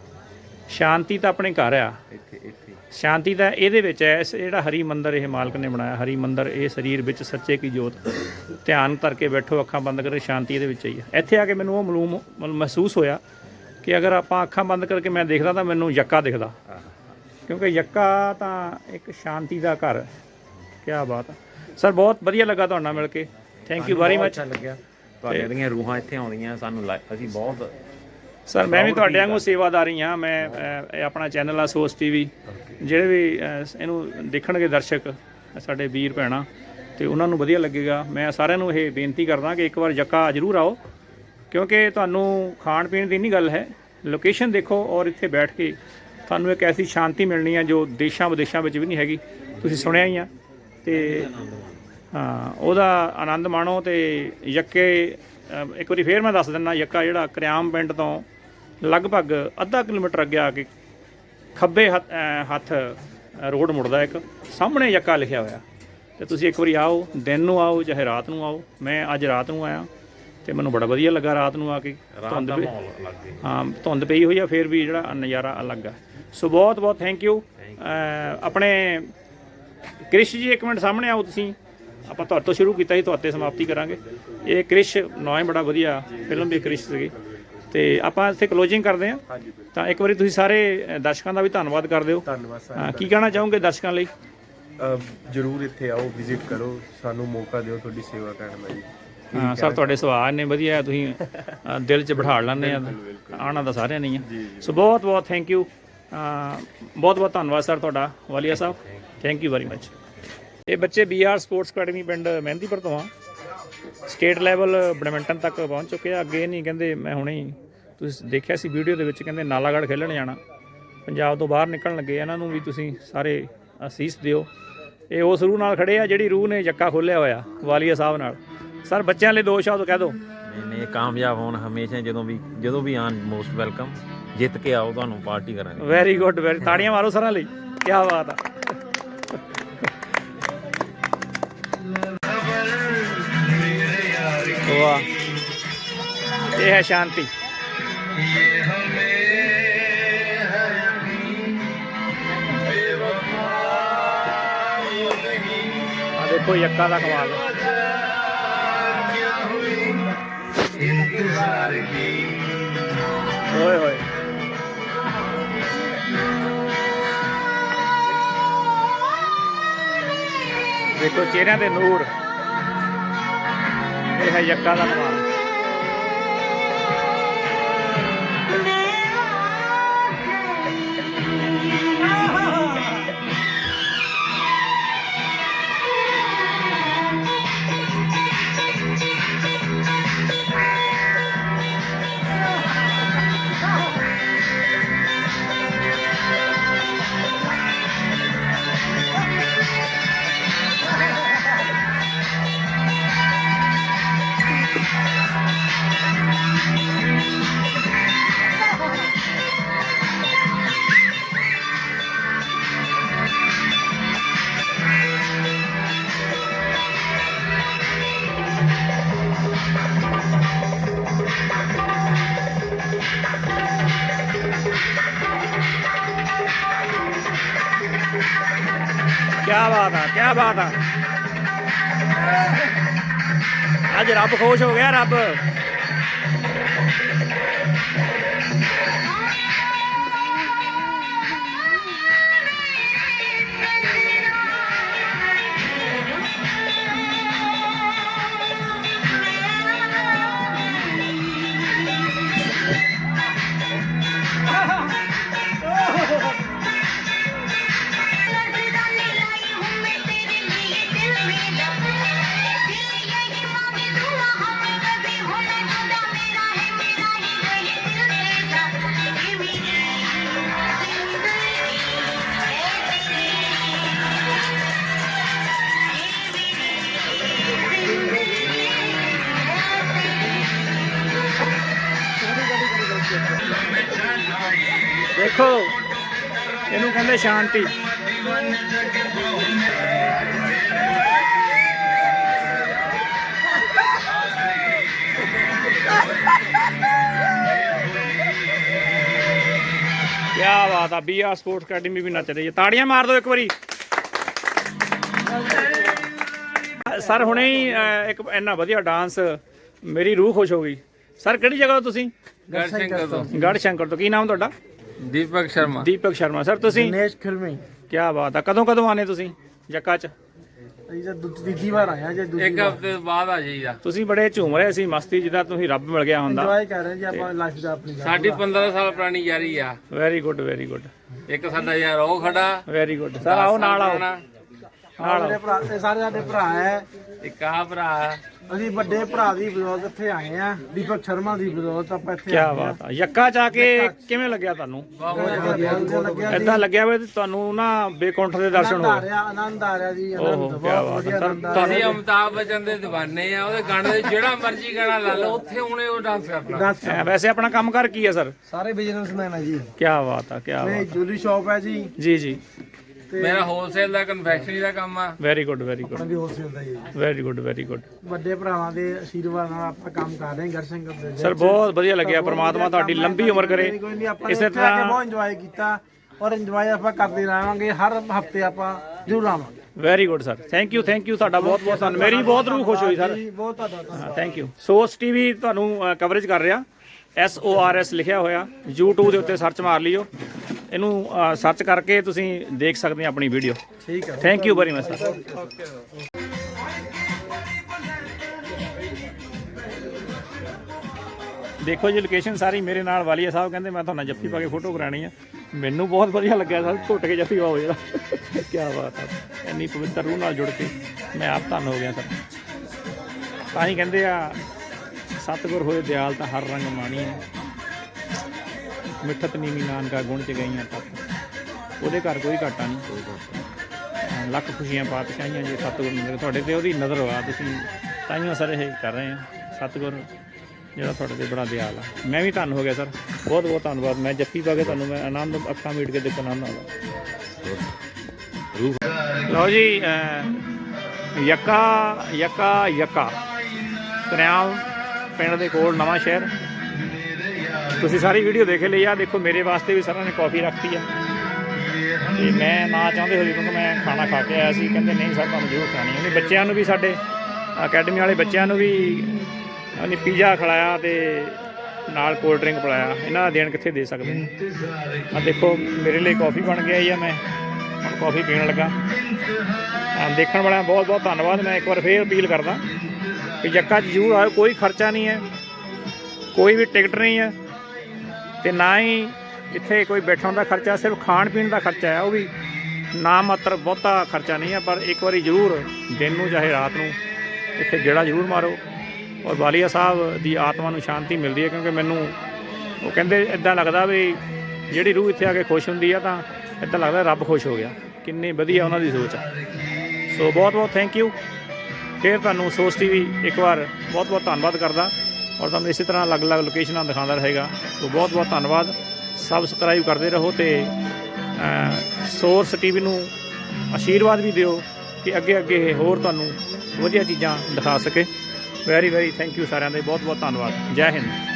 Speaker 1: ਸ਼ਾਂਤੀ ਤਾਂ ਆਪਣੇ ਘਰ ਆ,
Speaker 7: ਇੱਥੇ ਇੱਥੇ
Speaker 1: ਸ਼ਾਂਤੀ ਤਾਂ ਇਹਦੇ ਵਿੱਚ ਹੈ। ਇਸ ਜਿਹੜਾ ਹਰੀ ਮੰਦਰ ਇਹ ਮਾਲਕ ਨੇ ਬਣਾਇਆ, ਹਰੀ ਮੰਦਰ, ਇਹ ਸਰੀਰ ਵਿੱਚ ਸੱਚੇ ਕੀ ਜੋਤ। ਧਿਆਨ ਕਰਕੇ ਬੈਠੋ, ਅੱਖਾਂ ਬੰਦ ਕਰਕੇ, ਸ਼ਾਂਤੀ ਇਹਦੇ ਵਿੱਚ ਹੀ ਹੈ। ਇੱਥੇ ਆ ਕੇ ਮੈਨੂੰ ਉਹ ਮਲੂਮ ਮਤਲਬ ਮਹਿਸੂਸ ਹੋਇਆ ਕਿ ਅਗਰ ਆਪਾਂ ਅੱਖਾਂ ਬੰਦ ਕਰਕੇ ਮੈਂ ਦੇਖਦਾ ਤਾਂ ਮੈਨੂੰ ਯੱਕਾ ਦਿਖਦਾ, ਕਿਉਂਕਿ ਯੱਕਾ ਤਾਂ ਇੱਕ ਸ਼ਾਂਤੀ ਦਾ ਘਰ ਹੈ। ਕਿਆ ਬਾਤ ਹੈ ਸਰ, ਬਹੁਤ ਵਧੀਆ ਲੱਗਾ ਤੁਹਾਡੇ ਨਾਲ ਮਿਲ ਕੇ। Thank you very much.
Speaker 7: ਅੱਛਾ ਲੱਗਿਆ ਤੁਹਾਡੇ ਦੀਆਂ ਰੂਹਾਂ ਇੱਥੇ ਆਉਂਦੀਆਂ ਸਾਨੂੰ ਲਾ- ਅਸੀਂ ਬਹੁਤ
Speaker 1: ਸਰ ਮੈਂ ਵੀ ਤੁਹਾਡੇ ਵਾਂਗੂ ਸੇਵਾਦਾਰੀ ਹਾਂ। ਮੈਂ ਅ, ਇਹ ਆਪਣਾ ਚੈਨਲ ਆ ਸੋਸ ਟੀਵੀ, ਜਿਹੜੇ ਵੀ ਅ, ਇਹਨੂੰ ਦੇਖਣਗੇ ਦਰਸ਼ਕ ਸਾਡੇ ਵੀਰ ਭੈਣਾਂ, ਤੇ ਉਹਨਾਂ ਨੂੰ ਵਧੀਆ ਲੱਗੇਗਾ। ਮੈਂ ਸਾਰਿਆਂ ਨੂੰ ਇਹ ਬੇਨਤੀ ਕਰਦਾ ਕਿ ਇੱਕ ਵਾਰ ਯੱਕਾ ਜ਼ਰੂਰ ਆਓ, ਕਿਉਂਕਿ ਤੁਹਾਨੂੰ ਖਾਣ ਪੀਣ ਦੀ ਨਹੀਂ ਗੱਲ ਹੈ, ਲੋਕੇਸ਼ਨ ਦੇਖੋ ਔਰ ਇੱਥੇ ਬੈਠ ਕੇ ਤੁਹਾਨੂੰ ਇੱਕ ਐਸੀ ਸ਼ਾਂਤੀ ਮਿਲਣੀ ਹੈ ਜੋ ਦੇਸ਼ਾਂ ਵਿਦੇਸ਼ਾਂ ਵਿੱਚ ਵੀ ਨਹੀਂ ਹੈਗੀ। ਤੁਸੀਂ ਸੁਣਿਆ ਹੀ ਆ। ਤੇ ਹਾਂ ਉਹਦਾ ਆਨੰਦ ਮਾਣੋ। ਤੇ ਯੱਕੇ ਅ, ਇੱਕ ਵਾਰੀ ਫੇਰ ਮੈਂ ਦੱਸ ਦਿੰਦਾ, ਯੱਕਾ ਜਿਹੜਾ ਕਰਿਆਮ ਪਿੰਡ ਤੋਂ ਲਗਭਗ ਅੱਧਾ ਕਿਲੋਮੀਟਰ ਅੱਗੇ ਆ ਕੇ ਖੱਬੇ ਹੱਥ ਅ, ਹੱਥ ਰੋਡ ਮੁੜਦਾ, ਇੱਕ ਸਾਹਮਣੇ ਯੱਕਾ ਲਿਖਿਆ ਹੋਇਆ। ਤੇ ਤੁਸੀਂ ਇੱਕ ਵਾਰੀ ਆਓ, ਦਿਨ ਨੂੰ ਆਓ ਚਾਹੇ ਰਾਤ ਨੂੰ ਆਓ। ਮੈਂ ਅੱਜ ਰਾਤ ਨੂੰ ਆਇਆ ਤੇ ਮੈਨੂੰ ਬੜਾ ਵਧੀਆ ਲੱਗਾ ਰਾਤ ਨੂੰ ਆ ਕੇ। ਧੁੰਦ ਵੀ ਹਾਂ ਧੁੰਦ ਪਈ ਹੋਈ ਆ, ਫਿਰ ਵੀ ਜਿਹੜਾ ਨਜ਼ਾਰਾ ਅਲੱਗ ਆ। ਸੋ ਬਹੁਤ ਬਹੁਤ ਥੈਂਕ ਯੂ। ਆਪਣੇ ਕ੍ਰਿਸ਼ ਜੀ ਇੱਕ ਮਿੰਟ ਸਾਹਮਣੇ ਆਓ ਤੁਸੀਂ। ਆਪਾਂ ਤੁਹਾਡੇ ਤੋਂ ਸ਼ੁਰੂ ਕੀਤਾ ਸੀ, ਤੁਹਾਡੇ ਸਮਾਪਤੀ ਕਰਾਂਗੇ। ਇਹ ਕ੍ਰਿਸ਼ ਨਾਂ ਹੀ ਬੜਾ ਵਧੀਆ, ਫਿਲਮ ਵੀ ਕ੍ਰਿਸ਼ ਸੀਗੀ। ਤੇ ਆਪਾਂ ਇੱਥੇ ਕਲੋਜ਼ਿੰਗ ਕਰਦੇ ਹਾਂ। ਤਾਂ ਇੱਕ ਵਾਰੀ ਤੁਸੀਂ ਸਾਰੇ ਦਰਸ਼ਕਾਂ ਦਾ ਵੀ ਧੰਨਵਾਦ ਕਰ ਦਿਓ।
Speaker 3: ਧੰਨਵਾਦ ਸਰ।
Speaker 1: ਹਾਂ ਕੀ ਕਹਿਣਾ ਚਾਹੋਗੇ ਦਰਸ਼ਕਾਂ ਲਈ?
Speaker 3: ਜਰੂਰ ਇੱਥੇ ਆਓ, ਵਿਜ਼ਿਟ ਕਰੋ, ਸਾਨੂੰ ਮੌਕਾ ਦਿਓ ਤੁਹਾਡੀ ਸੇਵਾ ਕਰਨ ਦਾ ਜੀ।
Speaker 1: ਹਾਂ ਸਰ ਤੁਹਾਡੇ ਸੁਭਾਅ ਨੇ ਵਧੀਆ, ਤੁਸੀਂ ਅ, ਦਿਲ 'ਚ ਬਿਠਾ ਲੈਂਦੇ ਆ। ਆਉਣਾ ਤਾਂ ਸਾਰਿਆਂ ਨੇ ਹੀ ਆ। ਸੋ ਬਹੁਤ ਬਹੁਤ ਥੈਂਕ ਯੂ, ਬਹੁਤ ਬਹੁਤ ਧੰਨਵਾਦ ਸਰ ਤੁਹਾਡਾ, ਵਾਲੀਆ ਸਾਹਿਬ। Thank you very much. ਇਹ ਬੱਚੇ ਬੀ ਆਰ ਸਪੋਰਟਸ ਅਕੈਡਮੀ ਪਿੰਡ ਮਹਿੰਦੀਪੁਰ ਤੋਂ ਆ। ਸਟੇਟ ਲੈਵਲ ਬੈਡਮਿੰਟਨ ਤੱਕ ਪਹੁੰਚ ਚੁੱਕੇ ਆ। ਅੱਗੇ ਨਹੀਂ ਕਹਿੰਦੇ, ਮੈਂ ਹੁਣੇ ਹੀ ਤੁਸੀਂ ਦੇਖਿਆ ਸੀ ਵੀਡੀਓ ਦੇ ਵਿੱਚ, ਕਹਿੰਦੇ ਨਾਲਾਗੜ੍ਹ ਖੇਲਣ ਜਾਣਾ, ਪੰਜਾਬ ਤੋਂ ਬਾਹਰ ਨਿਕਲਣ ਲੱਗੇ। ਇਹਨਾਂ ਨੂੰ ਵੀ ਤੁਸੀਂ ਸਾਰੇ ਅਸੀਸ ਦਿਓ। ਇਹ ਉਸ ਰੂਹ ਨਾਲ ਖੜੇ ਆ ਜਿਹੜੀ ਰੂਹ ਨੇ ਯੱਕਾ ਖੋਲ੍ਹਿਆ ਹੋਇਆ, ਵਾਲੀਆ ਸਾਹਿਬ ਨਾਲ। ਸਰ ਬੱਚਿਆਂ ਲਈ ਦੋ ਸ਼ਬਦ ਕਹਿ ਦਿਓ।
Speaker 7: ਨਹੀਂ ਨਹੀਂ ਕਾਮਯਾਬ ਹੋਣ ਹਮੇਸ਼ਾ, ਜਦੋਂ ਵੀ ਜਦੋਂ ਵੀ ਆਉਣ ਮੋਸਟ ਵੈਲਕਮ। ਜਿੱਤ ਕੇ ਆਓ, ਤੁਹਾਨੂੰ ਪਾਰਟੀ ਕਰਾਂਗੇ।
Speaker 1: ਵੈਰੀ ਗੁੱਡ, ਵੈਰੀ ਤਾੜੀਆਂ ਮਾਰੋ ਸਰਾਂ ਲਈ, ਕੀ ਬਾਤ ਆ। ਵਾਹ, ਇਹ ਹੈ ਸ਼ਾਂਤੀ। ਦੇਖੋ ਯੱਕਾ ਦਾ ਕਮਾਲ। ਓਏ ਹੋਏ ਦੇਖੋ ਚਿਹਰਿਆਂ ਦੇ ਨੂਰ। ਇਹ ਹੈ ਯੱਕਾ ਦਾ ਕਮਾਲ। क्या बात है, क्या बात है। आज रब खुश हो गया, रब। देखो इनू कहते शांति। क्या बात है। बी आर स्पोर्ट्स अकेडमी भी नच रही है। ताड़ियां मार दो एक बारी। सर हुणे ही एक इन्ना वधिया डांस, मेरी रूह खुश हो गई। सर किहड़ी जगह हो तुसीं?
Speaker 8: गढ़शंकर तो
Speaker 1: गढ़शंकर तो। की नाम तुहाडा?
Speaker 8: दीपक शर्मा।
Speaker 1: दीपक शर्मा। सर तुसीं?
Speaker 2: ਦਿਨੇਸ਼ ਖਿਰਮੇ।
Speaker 1: क्या बात है। कदों कदों आने तुसीं जक्का च?
Speaker 2: ਅਸੀਂ ਤਾਂ ਦੂ- ਤੀਜੀ ਵਾਰ ਆਇਆ ਜੇ ਦੂਜੀ
Speaker 8: एक हफ्ते बाद आ जाइएगा।
Speaker 1: ਤੁਸੀਂ ਬੜੇ ਝੂਮ ਰਹੇ ਸੀ ਮਸਤੀ, ਜਿੱਦਾਂ ਤੁਸੀਂ ਰੱਬ ਮਿਲ ਗਿਆ ਹੁੰਦਾ।
Speaker 2: ਇੰਜੋਏ ਕਰ ਰਹੇ ਜੀ ਆਪਾਂ ਲਾਈਫ ਦਾ ਆਪਣੀ
Speaker 8: ਸਾਡੀ ਪੰਦਰਾਂ ਸਾਲ ਪੁਰਾਣੀ ਯਾਰੀ ਆ।
Speaker 1: ਵੈਰੀ ਗੁੱਡ, ਵੈਰੀ ਗੁੱਡ,
Speaker 8: ਇੱਕ ਸਾਡਾ ਯਾਰ ਉਹ ਖੜਾ,
Speaker 1: ਵੈਰੀ ਗੁੱਡ। ਸਰ ਆਓ ਨਾਲ ਆਓ।
Speaker 2: ਸਾਡੇ ਭਰਾ ਇਹ ਸਾਰੇ ਸਾਡੇ ਭਰਾ ਹੈ।
Speaker 8: ਇੱਕ ਆਹ ਭਰਾ।
Speaker 2: ਅਸੀਂ ਵੱਡੇ ਭਰਾ ਦੀ ਬਦੌਲਤ ਇੱਥੇ ਆਏ ਆ। ਦੀਪਕ ਸ਼ਰਮਾ ਦੀ ਬਦੌਲਤ ਆਪਾਂ ਇੱਥੇ
Speaker 1: ਕੀ ਬਾਤ ਆ। ਯੱਕਾ ਚ ਆ ਕੇ ਕਿਵੇਂ ਲੱਗਿਆ ਤੁਹਾਨੂੰ?
Speaker 2: ਲੱਗਿਆ
Speaker 1: ਏਦਾਂ ਲੱਗਿਆ ਵੀ ਤੁਹਾਨੂੰ ਨਾ ਬੇਕੌਂਠ ਦੇ ਦਰਸ਼ਨ
Speaker 2: ਆ
Speaker 1: ਹੋ ਗਏ।
Speaker 2: ਰਿਹਾ, ਆਨੰਦ ਆ ਰਿਹਾ ਜੀ।
Speaker 1: ਓਹੋ,
Speaker 2: ਆਨੰਦ
Speaker 1: ਕਿਆ
Speaker 2: ਬਹੁਤ
Speaker 1: ਬਾਤ
Speaker 2: ਵਧੀਆ
Speaker 1: ਹੈ।
Speaker 2: ਆਨੰਦ ਆ ਰਿਹਾ।
Speaker 8: ਅਸੀਂ ਅਮਿਤਾਭ ਬੱਚਨ ਦੇ دیਵਾਨੇ ਆ। ਉਹਦੇ ਗਾਣੇ ਦੇ ਜਿਹੜਾ ਮਰਜ਼ੀ ਗਾਣਾ ਲਾ ਲਓ, ਉੱਥੇ ਹੁਣੇ ਉਹ ਡਾਂਸ ਕਰਨਾ।
Speaker 2: ਦੱਸ
Speaker 1: ਐ, ਵੈਸੇ ਆਪਣਾ ਕੰਮ ਕਰ ਕੀ ਹੈ ਸਰ?
Speaker 2: ਸਾਰੇ ਬਿਜ਼ਨਸਮੈਨ ਆ ਜੀ।
Speaker 1: ਕੀ ਬਾਤ ਆ, ਕੀ
Speaker 2: ਮੇਰੀ
Speaker 1: ਬਾਤ
Speaker 2: ਜੁਐਲਰੀ ਸ਼ਾਪ ਹੈ ਜੀ।
Speaker 1: ਜੀ ਜੀ।
Speaker 8: ਮੇਰਾ ਹੋਲਸੇਲ ਦਾ ਕਨਫੈਕਸ਼ਨਰੀ ਦਾ ਕੰਮ ਆ।
Speaker 1: ਵੈਰੀ ਗੁੱਡ, ਵੈਰੀ ਗੁੱਡ,
Speaker 2: ਆਪਣਾ ਵੀ ਹੋਲਸੇਲ ਦਾ ਹੀ ਹੈ ਜੀ।
Speaker 1: Very good, very good.
Speaker 2: ਵੱਡੇ ਭਰਾਵਾਂ ਦੇ ਆਸ਼ੀਰਵਾਦ ਨਾਲ ਆਪਾਂ ਕੰਮ ਕਰ ਰਹੇ ਹਾਂ ਗੜਸ਼ੰਕਰ ਦੇ ਵਿੱਚ।
Speaker 1: ਸਰ ਬਹੁਤ ਵਧੀਆ ਲੱਗਿਆ। ਪ੍ਰਮਾਤਮਾ ਤੁਹਾਡੀ ਲੰਬੀ ਉਮਰ ਕਰੇ। ਇਸੇ ਤਰ੍ਹਾਂ
Speaker 2: ਬਹੁਤ ਇੰਜੋਏ ਕੀਤਾ ਔਰ ਇੰਜੋਏ ਆਪਾਂ ਕਰਦੇ ਰਹਾਂਗੇ। ਹਰ ਹਫਤੇ ਆਪਾਂ ਜ਼ਰੂਰ ਆਵਾਂਗੇ।
Speaker 1: Very good sir. Thank you, thank you. ਤੁਹਾਡਾ ਬਹੁਤ ਬਹੁਤ ਧੰਨਵਾਦ। ਮੇਰੀ ਬਹੁਤ ਰੂਹ ਖੁਸ਼ ਹੋਈ ਸਰ।
Speaker 2: ਜੀ, ਬਹੁਤ ਤੁਹਾਡਾ
Speaker 1: ਹਾਂ, ਥੈਂਕ ਯੂ। ਸੋਰਸ ਟੀਵੀ ਤੁਹਾਨੂੰ ਕਵਰੇਜ ਕਰ ਰਿਹਾ। ਐਸ ਓ ਆਰ ਐਸ ਲਿਖਿਆ ਹੋਇਆ। YouTube ਦੇ ਉੱਤੇ ਸਰਚ ਮਾਰ ਲਿਓ। ਇਹਨੂੰ ਸਰਚ ਕਰਕੇ ਤੁਸੀਂ ਦੇਖ ਸਕਦੇ ਹੋ ਆਪਣੀ ਵੀਡੀਓ।
Speaker 2: ਠੀਕ ਹੈ।
Speaker 1: Thank you very much sir. ਦੇਖੋ ਜੀ ਲੋਕੇਸ਼ਨ ਸਾਰੀ ਮੇਰੇ ਨਾਲ ਵਾਲੀਆ ਸਾਹਿਬ ਕਹਿੰਦੇ ਮੈਂ ਤੁਹਾਨੂੰ ਜੱਫੀ ਪਾ ਕੇ ਫੋਟੋ ਕਰਾਣੀ ਆ। ਮੈਨੂੰ ਬਹੁਤ ਵਧੀਆ ਲੱਗਿਆ ਸਰ। ਘੁੱਟ ਕੇ ਜੱਫੀ ਪਾਓ ਜਿਹੜਾ। ਕੀ ਬਾਤ ਹੈ। ਇੰਨੀ ਪਵਿੱਤਰ ਰੂਹ ਨਾਲ ਜੁੜ ਕੇ ਮੈਂ ਆਪ ਧੰਨ ਹੋ ਗਿਆ ਸਰ। ਤਾਂ ਹੀ ਕਹਿੰਦੇ ਆ ਸਤਿਗੁਰ ਹੋਏ ਦਿਆਲ ਤਾਂ ਹਰ ਰੰਗ ਮਾਣੀਏ। ਮਿੱਠਤ ਨੀਵੀਂ ਨਾਨਕਾ ਗੁਣ ਚ ਗਈਆਂ ਤੱਕ। ਉਹਦੇ ਘਰ ਕੋਈ ਘਾਟਾ ਨਹੀਂ, ਕੋਈ ਘਾਟਾ। ਲੱਖ ਖੁਸ਼ੀਆਂ ਪਾਤਸ਼ਾਹੀਆਂ ਜੇ ਸਤਿਗੁਰ ਨੇ ਤੁਹਾਡੇ ਤੇ ਉਹਦੀ ਨਜ਼ਰ ਵਾ। ਤੁਸੀਂ ਤਾਈਓ ਸਰ ਇਹ ਕਰ ਰਹੇ ਆ। ਸਤਿਗੁਰ ਜਿਹੜਾ ਤੁਹਾਡੇ ਤੇ ਬੜਾ ਦਿਆਲ ਆ। ਮੈਂ ਵੀ ਧੰਨ ਹੋ ਗਿਆ ਸਰ। ਬਹੁਤ ਬਹੁਤ ਧੰਨਵਾਦ। ਮੈਂ ਜੱਫੀ ਪਾ ਕੇ ਤੁਹਾਨੂੰ ਮੈਂ ਆਨੰਦ ਅੱਖਾਂ ਮੀਟ ਕੇ ਦੇਖੋ ਆਨੰਦ ਆਉਂਦਾ। ਲਓ ਜੀ ਯੱਕਾ ਯੱਕਾ ਯੱਕਾ ਕਰਿਆਮ ਪਿੰਡ ਦੇ ਕੋਲ ਨਵਾਂ ਸ਼ਹਿਰ। ਤੁਸੀਂ ਸਾਰੀ ਵੀਡੀਓ ਦੇਖ ਲਈ ਆ। ਦੇਖੋ ਮੇਰੇ ਵਾਸਤੇ ਵੀ ਸਰਾਂ ਨੇ ਕਾਫੀ ਰੱਖਤੀ ਆ। ਤੇ ਮੈਂ ਨਾ ਚਾਹੁੰਦੇ ਹੋਏ ਕਿਉਂਕਿ ਮੈਂ ਖਾਣਾ ਖਾ ਕੇ ਆਇਆ ਸੀ, ਕਹਿੰਦੇ ਨਹੀਂ ਸਰ ਤੁਹਾਨੂੰ ਜ਼ਰੂਰ ਖਾਣੀ ਉਹਨੇ। ਬੱਚਿਆਂ ਨੂੰ ਵੀ ਸਾਡੇ ਅਕੈਡਮੀ ਵਾਲੇ ਬੱਚਿਆਂ ਨੂੰ ਵੀ ਉਹਨੇ ਪੀਜ਼ਾ ਖਿਲਾਇਆ ਤੇ ਨਾਲ ਕੋਲਡ ਡਰਿੰਕ ਪਿਲਾਇਆ। ਇਹਨਾਂ ਦਾ ਦੇਣ ਕਿੱਥੇ ਦੇ ਸਕਦੇ। ਆ ਦੇਖੋ ਮੇਰੇ ਲਈ ਕੌਫੀ ਬਣ ਕੇ ਆਈ ਆ, ਮੈਂ ਹੁਣ ਕੌਫੀ ਪੀਣ ਲੱਗਾ। ਆ ਦੇਖਣ ਵਾਲਿਆਂ ਦਾ ਬਹੁਤ ਬਹੁਤ ਧੰਨਵਾਦ। ਮੈਂ ਇੱਕ ਵਾਰ ਫੇਰ ਅਪੀਲ ਕਰਦਾ ਕਿ ਜੱਕਾ 'ਚ ਜ਼ਰੂਰ ਆਇਓ। ਕੋਈ ਖਰਚਾ ਨਹੀਂ ਹੈ, ਕੋਈ ਵੀ ਟਿਕਟ ਨਹੀਂ ਹੈ ਤੇ ਨਾ ਹੀ ਇੱਥੇ ਕੋਈ ਬੈਠਣ ਦਾ ਖਰਚਾ, ਸਿਰਫ ਖਾਣ ਪੀਣ ਦਾ ਖਰਚਾ ਹੈ, ਉਹ ਵੀ ਨਾ ਮਾਤਰ, ਬਹੁਤਾ ਖਰਚਾ ਨਹੀਂ ਹੈ। ਪਰ ਇੱਕ ਵਾਰੀ ਜ਼ਰੂਰ ਦਿਨ ਨੂੰ ਚਾਹੇ ਰਾਤ ਨੂੰ ਇੱਥੇ ਗੇੜਾ ਜ਼ਰੂਰ ਮਾਰੋ। ਔਰ ਵਾਲੀਆ ਸਾਹਿਬ ਦੀ ਆਤਮਾ ਨੂੰ ਸ਼ਾਂਤੀ ਮਿਲਦੀ ਹੈ, ਕਿਉਂਕਿ ਮੈਨੂੰ ਉਹ ਕਹਿੰਦੇ ਇੱਦਾਂ ਲੱਗਦਾ ਵੀ ਜਿਹੜੀ ਰੂਹ ਇੱਥੇ ਆ ਕੇ ਖੁਸ਼ ਹੁੰਦੀ ਆ ਤਾਂ ਇੱਦਾਂ ਲੱਗਦਾ ਰੱਬ ਖੁਸ਼ ਹੋ ਗਿਆ। ਕਿੰਨੀ ਵਧੀਆ ਉਹਨਾਂ ਦੀ ਸੋਚ ਆ। ਸੋ ਬਹੁਤ ਬਹੁਤ ਥੈਂਕ ਯੂ। ਫਿਰ ਤੁਹਾਨੂੰ ਸੋਚ ਟੀ ਵੀ ਇੱਕ ਵਾਰ ਬਹੁਤ ਬਹੁਤ ਧੰਨਵਾਦ ਕਰਦਾ ਔਰ ਤੁਹਾਨੂੰ ਇਸੇ ਤਰ੍ਹਾਂ ਅਲੱਗ-ਅਲੱਗ ਲੋਕੇਸ਼ਨਾਂ ਦਿਖਾਉਂਦਾ ਰਹੇਗਾ। ਸੋ ਬਹੁਤ ਬਹੁਤ ਧੰਨਵਾਦ। ਸਬਸਕ੍ਰਾਈਬ ਕਰਦੇ ਰਹੋ ਤੇ ਸੋਰਸ ਟੀ ਵੀ ਨੂੰ ਆਸ਼ੀਰਵਾਦ ਵੀ ਦਿਓ ਕਿ ਅੱਗੇ ਅੱਗੇ ਹੋਰ ਤੁਹਾਨੂੰ ਵਧੀਆ ਚੀਜ਼ਾਂ ਦਿਖਾ ਸਕੇ। ਵੈਰੀ ਵੈਰੀ ਥੈਂਕ ਯੂ ਸਾਰਿਆਂ ਦੇ, ਬਹੁਤ ਬਹੁਤ ਧੰਨਵਾਦ। ਜੈ ਹਿੰਦ।